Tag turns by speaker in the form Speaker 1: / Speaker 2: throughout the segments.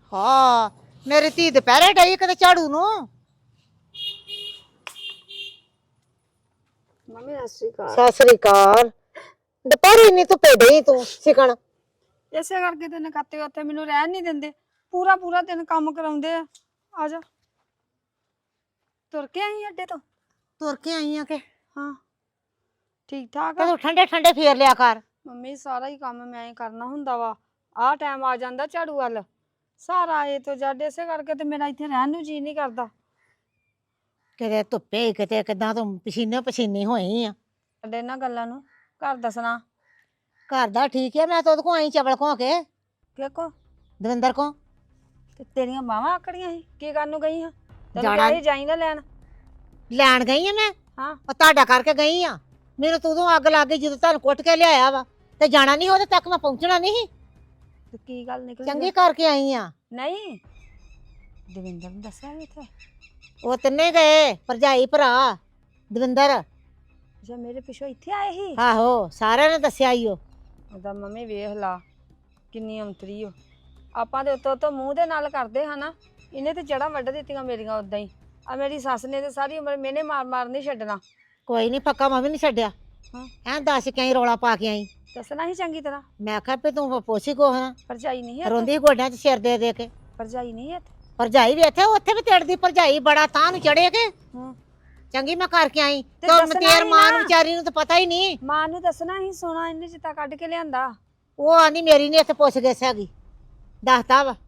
Speaker 1: ਹਾਂ ਮੇਰੀ ਧੀ ਦੁਪਹਿਰੇ ਡਈ ਕਿਤੇ ਝਾੜੂ ਨੂੰ।
Speaker 2: ਮੰਮੀ ਸਤਿ ਸ਼੍ਰੀ ਅਕਾਲ।
Speaker 1: ਸਤਿ ਸ੍ਰੀ ਅਕਾਲ। ਦੁਪਹਿਰੇ ਨਹੀਂ ਧੁੱਪੇ ਡਈ ਤੂੰ ਸਿਕਣ।
Speaker 2: ਇਸੇ ਕਰਕੇ ਤੇ ਨਕਾਤੇ ਉੱਥੇ ਮੈਨੂੰ ਰਹਿਣ ਨਹੀਂ ਦਿੰਦੇ। ਪੂਰਾ ਪੂਰਾ ਦਿਨ ਕੰਮ ਕਰਾਉਂਦੇ ਆ ਜਾ ਤੁਰ ਕੇ ਆਈ ਅੱਡੇ ਤੋਂ।
Speaker 1: ਤੁਰ ਕੇ ਆਈ ਆ ਕਿ
Speaker 2: ਹਾਂ ਠੀਕ ਠਾਕ ਆ।
Speaker 1: ਤੂੰ ਠੰਡੇ ਠੰਡੇ ਫੇਰ ਲਿਆ ਕਰ।
Speaker 2: ਮੰਮੀ ਸਾਰਾ ਹੀ ਕੰਮ ਮੈਂ ਹੀ ਕਰਨਾ ਹੁੰਦਾ ਵਾ। ਆਹ ਟਾਈਮ ਆ ਜਾਂਦਾ ਝਾੜੂ ਵੱਲ ਸਾਰਾ ਏ ਤੋਂ ਜੱਡ। ਇਸੇ ਕਰਕੇ ਤੇ ਮੇਰਾ ਇੱਥੇ ਰਹਿਣ ਨੂੰ ਜੀ ਨਹੀਂ ਕਰਦਾ।
Speaker 1: ਕਿਤੇ ਧੁੱਪੇ ਕਿਤੇ ਕਿਦਾਂ ਤੂੰ ਪਸੀਨੇ ਪਸੀਨੀ ਹੋਈ ਆ।
Speaker 2: ਅੱਡੇ ਇਹਨਾਂ ਗੱਲਾਂ ਨੂੰ ਘਰ ਦੱਸਣਾ।
Speaker 1: ਘਰ ਦਾ ਠੀਕ ਹੈ। ਮੈਂ ਤਾਂ ਉਹਦੇ ਕੋ ਆਈ ਚਵਲ ਖੋ ਕੇ
Speaker 2: ਦੇਖੋ
Speaker 1: ਦਵਿੰਦਰ ਕੋ।
Speaker 2: ਤੇ ਤੇਰੀਆਂ ਬਾਹਾਂ ਆਕੜੀਆਂ ਸੀ ਕੀ ਕਰਨ ਨੂੰ ਗਈ ਹਾਂ? ਤੈਨੂੰ
Speaker 1: ਜਾਣਾ
Speaker 2: ਕਿਹਾ ਸੀ ਜਾਈ ਨਾ ਲੈਣ।
Speaker 1: ਲੈਣ ਗਈ ਆ ਮੈਂ।
Speaker 2: ਹਾਂ
Speaker 1: ਉਹ ਤੁਹਾਡਾ ਕਰਕੇ ਗਈ ਆ। ਮੈਨੂੰ ਤੂੰ ਉਦੋਂ ਅੱਗ ਲੱਗ ਗਈ ਜਦੋਂ ਤੁਹਾਨੂੰ ਕੁੱਟ ਕੇ ਲਿਆਇਆ ਵਾ ਤੇ ਜਾਣਾ ਨਹੀਂ ਉਹਦੇ ਤੱਕ ਮੈਂ ਪਹੁੰਚਣਾ ਨਹੀਂ।
Speaker 2: ਤੇ ਕੀ ਗੱਲ ਨਿਕਲੀ?
Speaker 1: ਚੰਗੀ ਕਰਕੇ ਆਈ ਆ।
Speaker 2: ਨਹੀਂ ਦਵਿੰਦਰ ਨੂੰ ਦੱਸਿਆ ਵੀ ਇੱਥੇ?
Speaker 1: ਉਹ ਤਿੰਨੇ ਗਏ ਭਰਜਾਈ ਭਰਾ ਦਵਿੰਦਰ।
Speaker 2: ਜੇ ਮੇਰੇ ਪਿੱਛੋਂ ਇੱਥੇ ਆਏ ਸੀ?
Speaker 1: ਆਹੋ ਸਾਰਿਆਂ ਨੇ ਦੱਸਿਆ ਈ ਉਹ।
Speaker 2: ਉਹਦਾ ਮੰਮੀ ਵੇਖ ਲਾ ਕਿੰਨੀ ਅੰਤਰੀ ਓ। ਆਪਾਂ ਦੇ ਉੱਤੋਂ ਮੂੰਹ ਦੇ ਨਾਲ ਕਰਦੇ ਹਾਂ ਨਾ। ਇਹਨੇ ਤੇ ਜੜ੍ਹਾਂ ਵੱਢ ਦਿੱਤੀਆਂ ਮੇਰੀਆਂ ਉਦਾਂ ਹੀ। ਆ ਮੇਰੀ ਸੱਸ ਨੇ ਤੇ ਸਾਰੀ ਉਮਰ ਮੈਨੇ ਮਾਰ ਮਾਰ ਨਹੀਂ ਛੱਡਣਾ।
Speaker 1: ਕੋਈ ਨਹੀਂ ਪੱਕਾ ਮੈਂ ਵੀ ਨਹੀਂ ਛੱਡਿਆ।
Speaker 2: ਹਾਂ
Speaker 1: ਐਂ ਦੱਸ ਕੇ ਆਈ ਰੌਲਾ ਪਾ ਕੇ ਆਈ।
Speaker 2: ਦੱਸਣਾ ਹੀ ਚੰਗੀ ਤਰ੍ਹਾਂ।
Speaker 1: ਮੈਂ ਆਖਿਆ ਵੀ ਤੂੰ ਪੋਸੀ ਕੋ ਨਾ
Speaker 2: ਭਰਜਾਈ ਨਹੀਂ ਹੈ?
Speaker 1: ਰੋਂਦੀ ਗੋਡਿਆਂ 'ਚ ਸਿਰ ਦੇ ਦੇ ਕੇ।
Speaker 2: ਭਰਜਾਈ ਨਹੀਂ ਹੈ?
Speaker 1: ਭਰਜਾਈ ਵੀ ਇੱਥੇ ਉੱਥੇ ਵੀ ਤੇੜਦੀ ਭਰਜਾਈ ਬੜਾ ਤਾਂ ਨੂੰ ਚੜੇ ਕੇ।
Speaker 2: ਹਾਂ
Speaker 1: ਚੰਗੀ ਮੈਂ ਕਰਕੇ ਆਈ
Speaker 2: ਤੇ
Speaker 1: ਤੇ
Speaker 2: ਦੱਸਣਾ
Speaker 1: ਤੇਰ
Speaker 2: ਹੀ
Speaker 1: ਮਾਂ
Speaker 2: ਨਾ।
Speaker 1: ਨੂੰ ਵਿਚਾਰੀ ਨੂੰ ਤਾਂ ਪਤਾ ਹੀ ਨਹੀਂ।
Speaker 2: ਮਾਂ ਨੂੰ ਦੱਸਣਾ ਹੀ। ਸੋਨਾ ਇਹਨੇ ਜਿੱਤਾ ਕੱਢ ਕੇ ਲਿਆਂਦਾ।
Speaker 1: ਉਹ ਆਂਦੀ ਮੇਰੀ ਨਹੀਂ ਇੱਥੇ ਪੁੱਛ ਗਏ ਹੈਗੀ। ਦੱਸਦਾ ਵਾ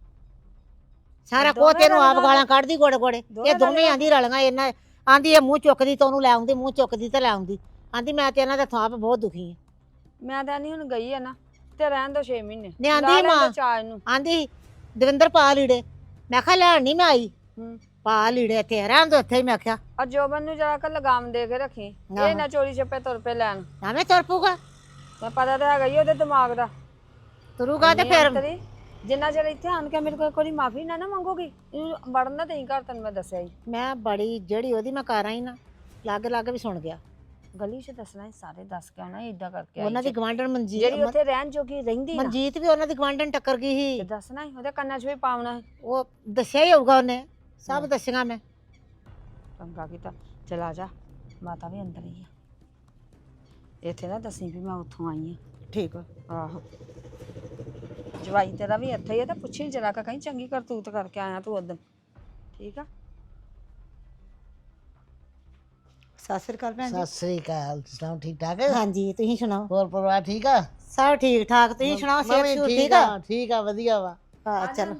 Speaker 1: ਸਾਰਾ ਕੋ
Speaker 2: ਦੋਵੇਂ
Speaker 1: ਤੈਨੂੰ ਆਪ
Speaker 2: ਰਲੀਆਂ
Speaker 1: ਗਾਲਾਂ ਕੱਢਦੀ ਗੋੜੇ ਗੋੜੇ।
Speaker 2: ਦੋਵੇਂ
Speaker 1: ਇਹ ਦੋਵੇਂ
Speaker 2: ਰਲੀਆਂ।
Speaker 1: ਆਂਦੀ ਰਲੀਆਂ ਇਹਨਾਂ। ਆਂਦੀ ਇਹ ਮੂੰਹ ਚੁੱਕਦੀ ਤਾਂ ਉਹਨੂੰ ਲੈ ਆਉਂਦੀ, ਮੂੰਹ ਚੁੱਕਦੀ ਤੇ ਲੈ ਆਉਂਦੀ। ਆਂਦੀ ਮੈਂ ਤੇ ਇਹਨਾਂ ਦੇ ਥਾਪ ਬਹੁਤ ਦੁਖੀ ਆ।
Speaker 2: ਮੈਂ ਤਾਂ ਨਹੀਂ ਹੁਣ ਗਈ ਆ ਨਾ ਤੇ ਰਹਿਣ ਦੋ 6 ਮਹੀਨੇ।
Speaker 1: ਨੇ ਆਂਦੀ
Speaker 2: ਲਾ ਲੈਣ
Speaker 1: ਮਾਂ।
Speaker 2: ਦਿਓ ਚਾਅ ਇਹਨੂੰ।
Speaker 1: ਆਂਦੀ ਦਵਿੰਦਰ ਪਾ ਲੀੜੇ। ਮੈਂ ਕਿਹਾ ਲੈਣ ਨਹੀਂ ਮੈਂ ਆਈ।
Speaker 2: ਹੂੰ
Speaker 1: ਪਾ ਲੀੜੇ ਤੇ ਰਹਿਣ ਦੋ ਇੱਥੇ ਹੀ। ਮੈਂ ਕਿਹਾ
Speaker 2: ਆ ਜੋਬਨ ਨੂੰ ਜਰਾ ਕ ਲਗਾਮ ਦੇ ਕੇ ਰੱਖੀ। ਇਹ ਨਾ ਚੋਰੀ ਛੱਪੇ ਤੁਰ ਪਏ ਲੈਣ।
Speaker 1: ਐਵੇਂ ਤੁਰ ਪਊਗਾ।
Speaker 2: ਮੈਂ ਪਤਾ ਤਾਂ ਹੈਗਾ ਹੀ ਉਹਦੇ ਦਿਮਾਗ ਦਾ।
Speaker 1: ਤੁਰੂਗਾ ਤੇ ਫਿਰ
Speaker 2: ਅੰਤਰੀ, ਜਿੰਨਾ ਚਿਰ ਇੱਥੇ ਆਣ ਕੇ ਮੇਰੇ ਕੋਲ ਕੋਈ ਮਾਫੀ ਨਾ ਮੰਗੋਗੀ ਇਹਨੂੰ ਵੜਨ ਨਾ ਦੇਈ ਘਰ। ਤੈਨੂੰ ਮੈਂ ਦੱਸਿਆ ਹੀ।
Speaker 1: ਮੈਂ ਬੜੀ ਜਿਹੜੀ ਉਹਦੀ ਮੈਂ ਕਰ ਆਈ ਨਾ ਲੱਗ ਲੱਗ ਵੀ ਸੁਣ ਗਿਆ।
Speaker 2: ਗਲੀ 'ਚ ਦੱਸਣਾ ਸੀ ਸਾਰੇ। ਦੱਸ ਕੇ ਆਉਣਾ ਏਦਾਂ ਕਰਕੇ
Speaker 1: ਉਹਨਾਂ ਦੀ ਗਵਾਂਢਣ ਮਨਜੀਤ
Speaker 2: ਜਿਹੜੀ ਉੱਥੇ ਰਹਿਣ ਜੋਗੀ ਰਹਿੰਦੀ ਨਾ।
Speaker 1: ਮਨਜੀਤ ਵੀ ਉਹਨਾਂ ਦੀ ਗਵਾਂਢਣ ਟੱਕਰ ਗਈ
Speaker 2: ਤੇ
Speaker 1: ਸੀ।
Speaker 2: ਦੱਸਣਾ ਸੀ ਉਹਦੇ ਕੰਨਾਂ 'ਚ ਵੀ ਪਾਉਣਾ ਸੀ।
Speaker 1: ਉਹ ਦੱਸਿਆ ਹੀ ਹੋਊਗਾ ਉਹਨੇ। ਸਭ ਦੱਸਿਆ ਮੈਂ।
Speaker 2: ਚੰਗਾ ਕੀਤਾ। ਚਲਾ ਜਾ ਮਾਤਾ ਵੀ ਅੰਦਰ ਹੀ ਆ। ਇੱਥੇ ਨਾ ਦੱਸੀ ਵੀ ਮੈਂ ਉੱਥੋਂ ਆਈ
Speaker 1: ਠੀਕ ਆ।
Speaker 2: ਆ। ਆਹੋ ਜਵਾਈ ਤੇਰਾ ਵੀ ਇੱਥੇ ਹੀ ਆ ਤੇ ਪੁੱਛੀ ਜਰਾ ਕਹੀਂ ਚੰਗੀ ਕਰਤੂਤ ਕਰਕੇ ਆਇਆ ਤੂੰ ਉਦੋਂ। ਠੀਕ ਆ।
Speaker 1: ਸਤਿ ਸ੍ਰੀ ਅਕਾਲ ਭੈਣ ਜੀ।
Speaker 3: ਸਤਿ ਸ੍ਰੀ ਅਕਾਲ। ਸੁਣਾਓ ਠੀਕ ਠਾਕ ਹੈ?
Speaker 1: ਹਾਂਜੀ ਤੁਸੀਂ ਸੁਣਾਓ।
Speaker 3: ਹੋਰ ਪਰਿਵਾਰ ਠੀਕ ਆ?
Speaker 1: ਸਭ ਠੀਕ ਠਾਕ। ਤੁਸੀਂ ਸੁਣਾਓ
Speaker 3: ਮੈਂ ਵੀ
Speaker 1: ਸਿਹਤ ਠੀਕ ਆ?
Speaker 3: ਠੀਕ ਆ ਵਧੀਆ ਵਾ।
Speaker 1: ਹਾਂ ਚਲੋ।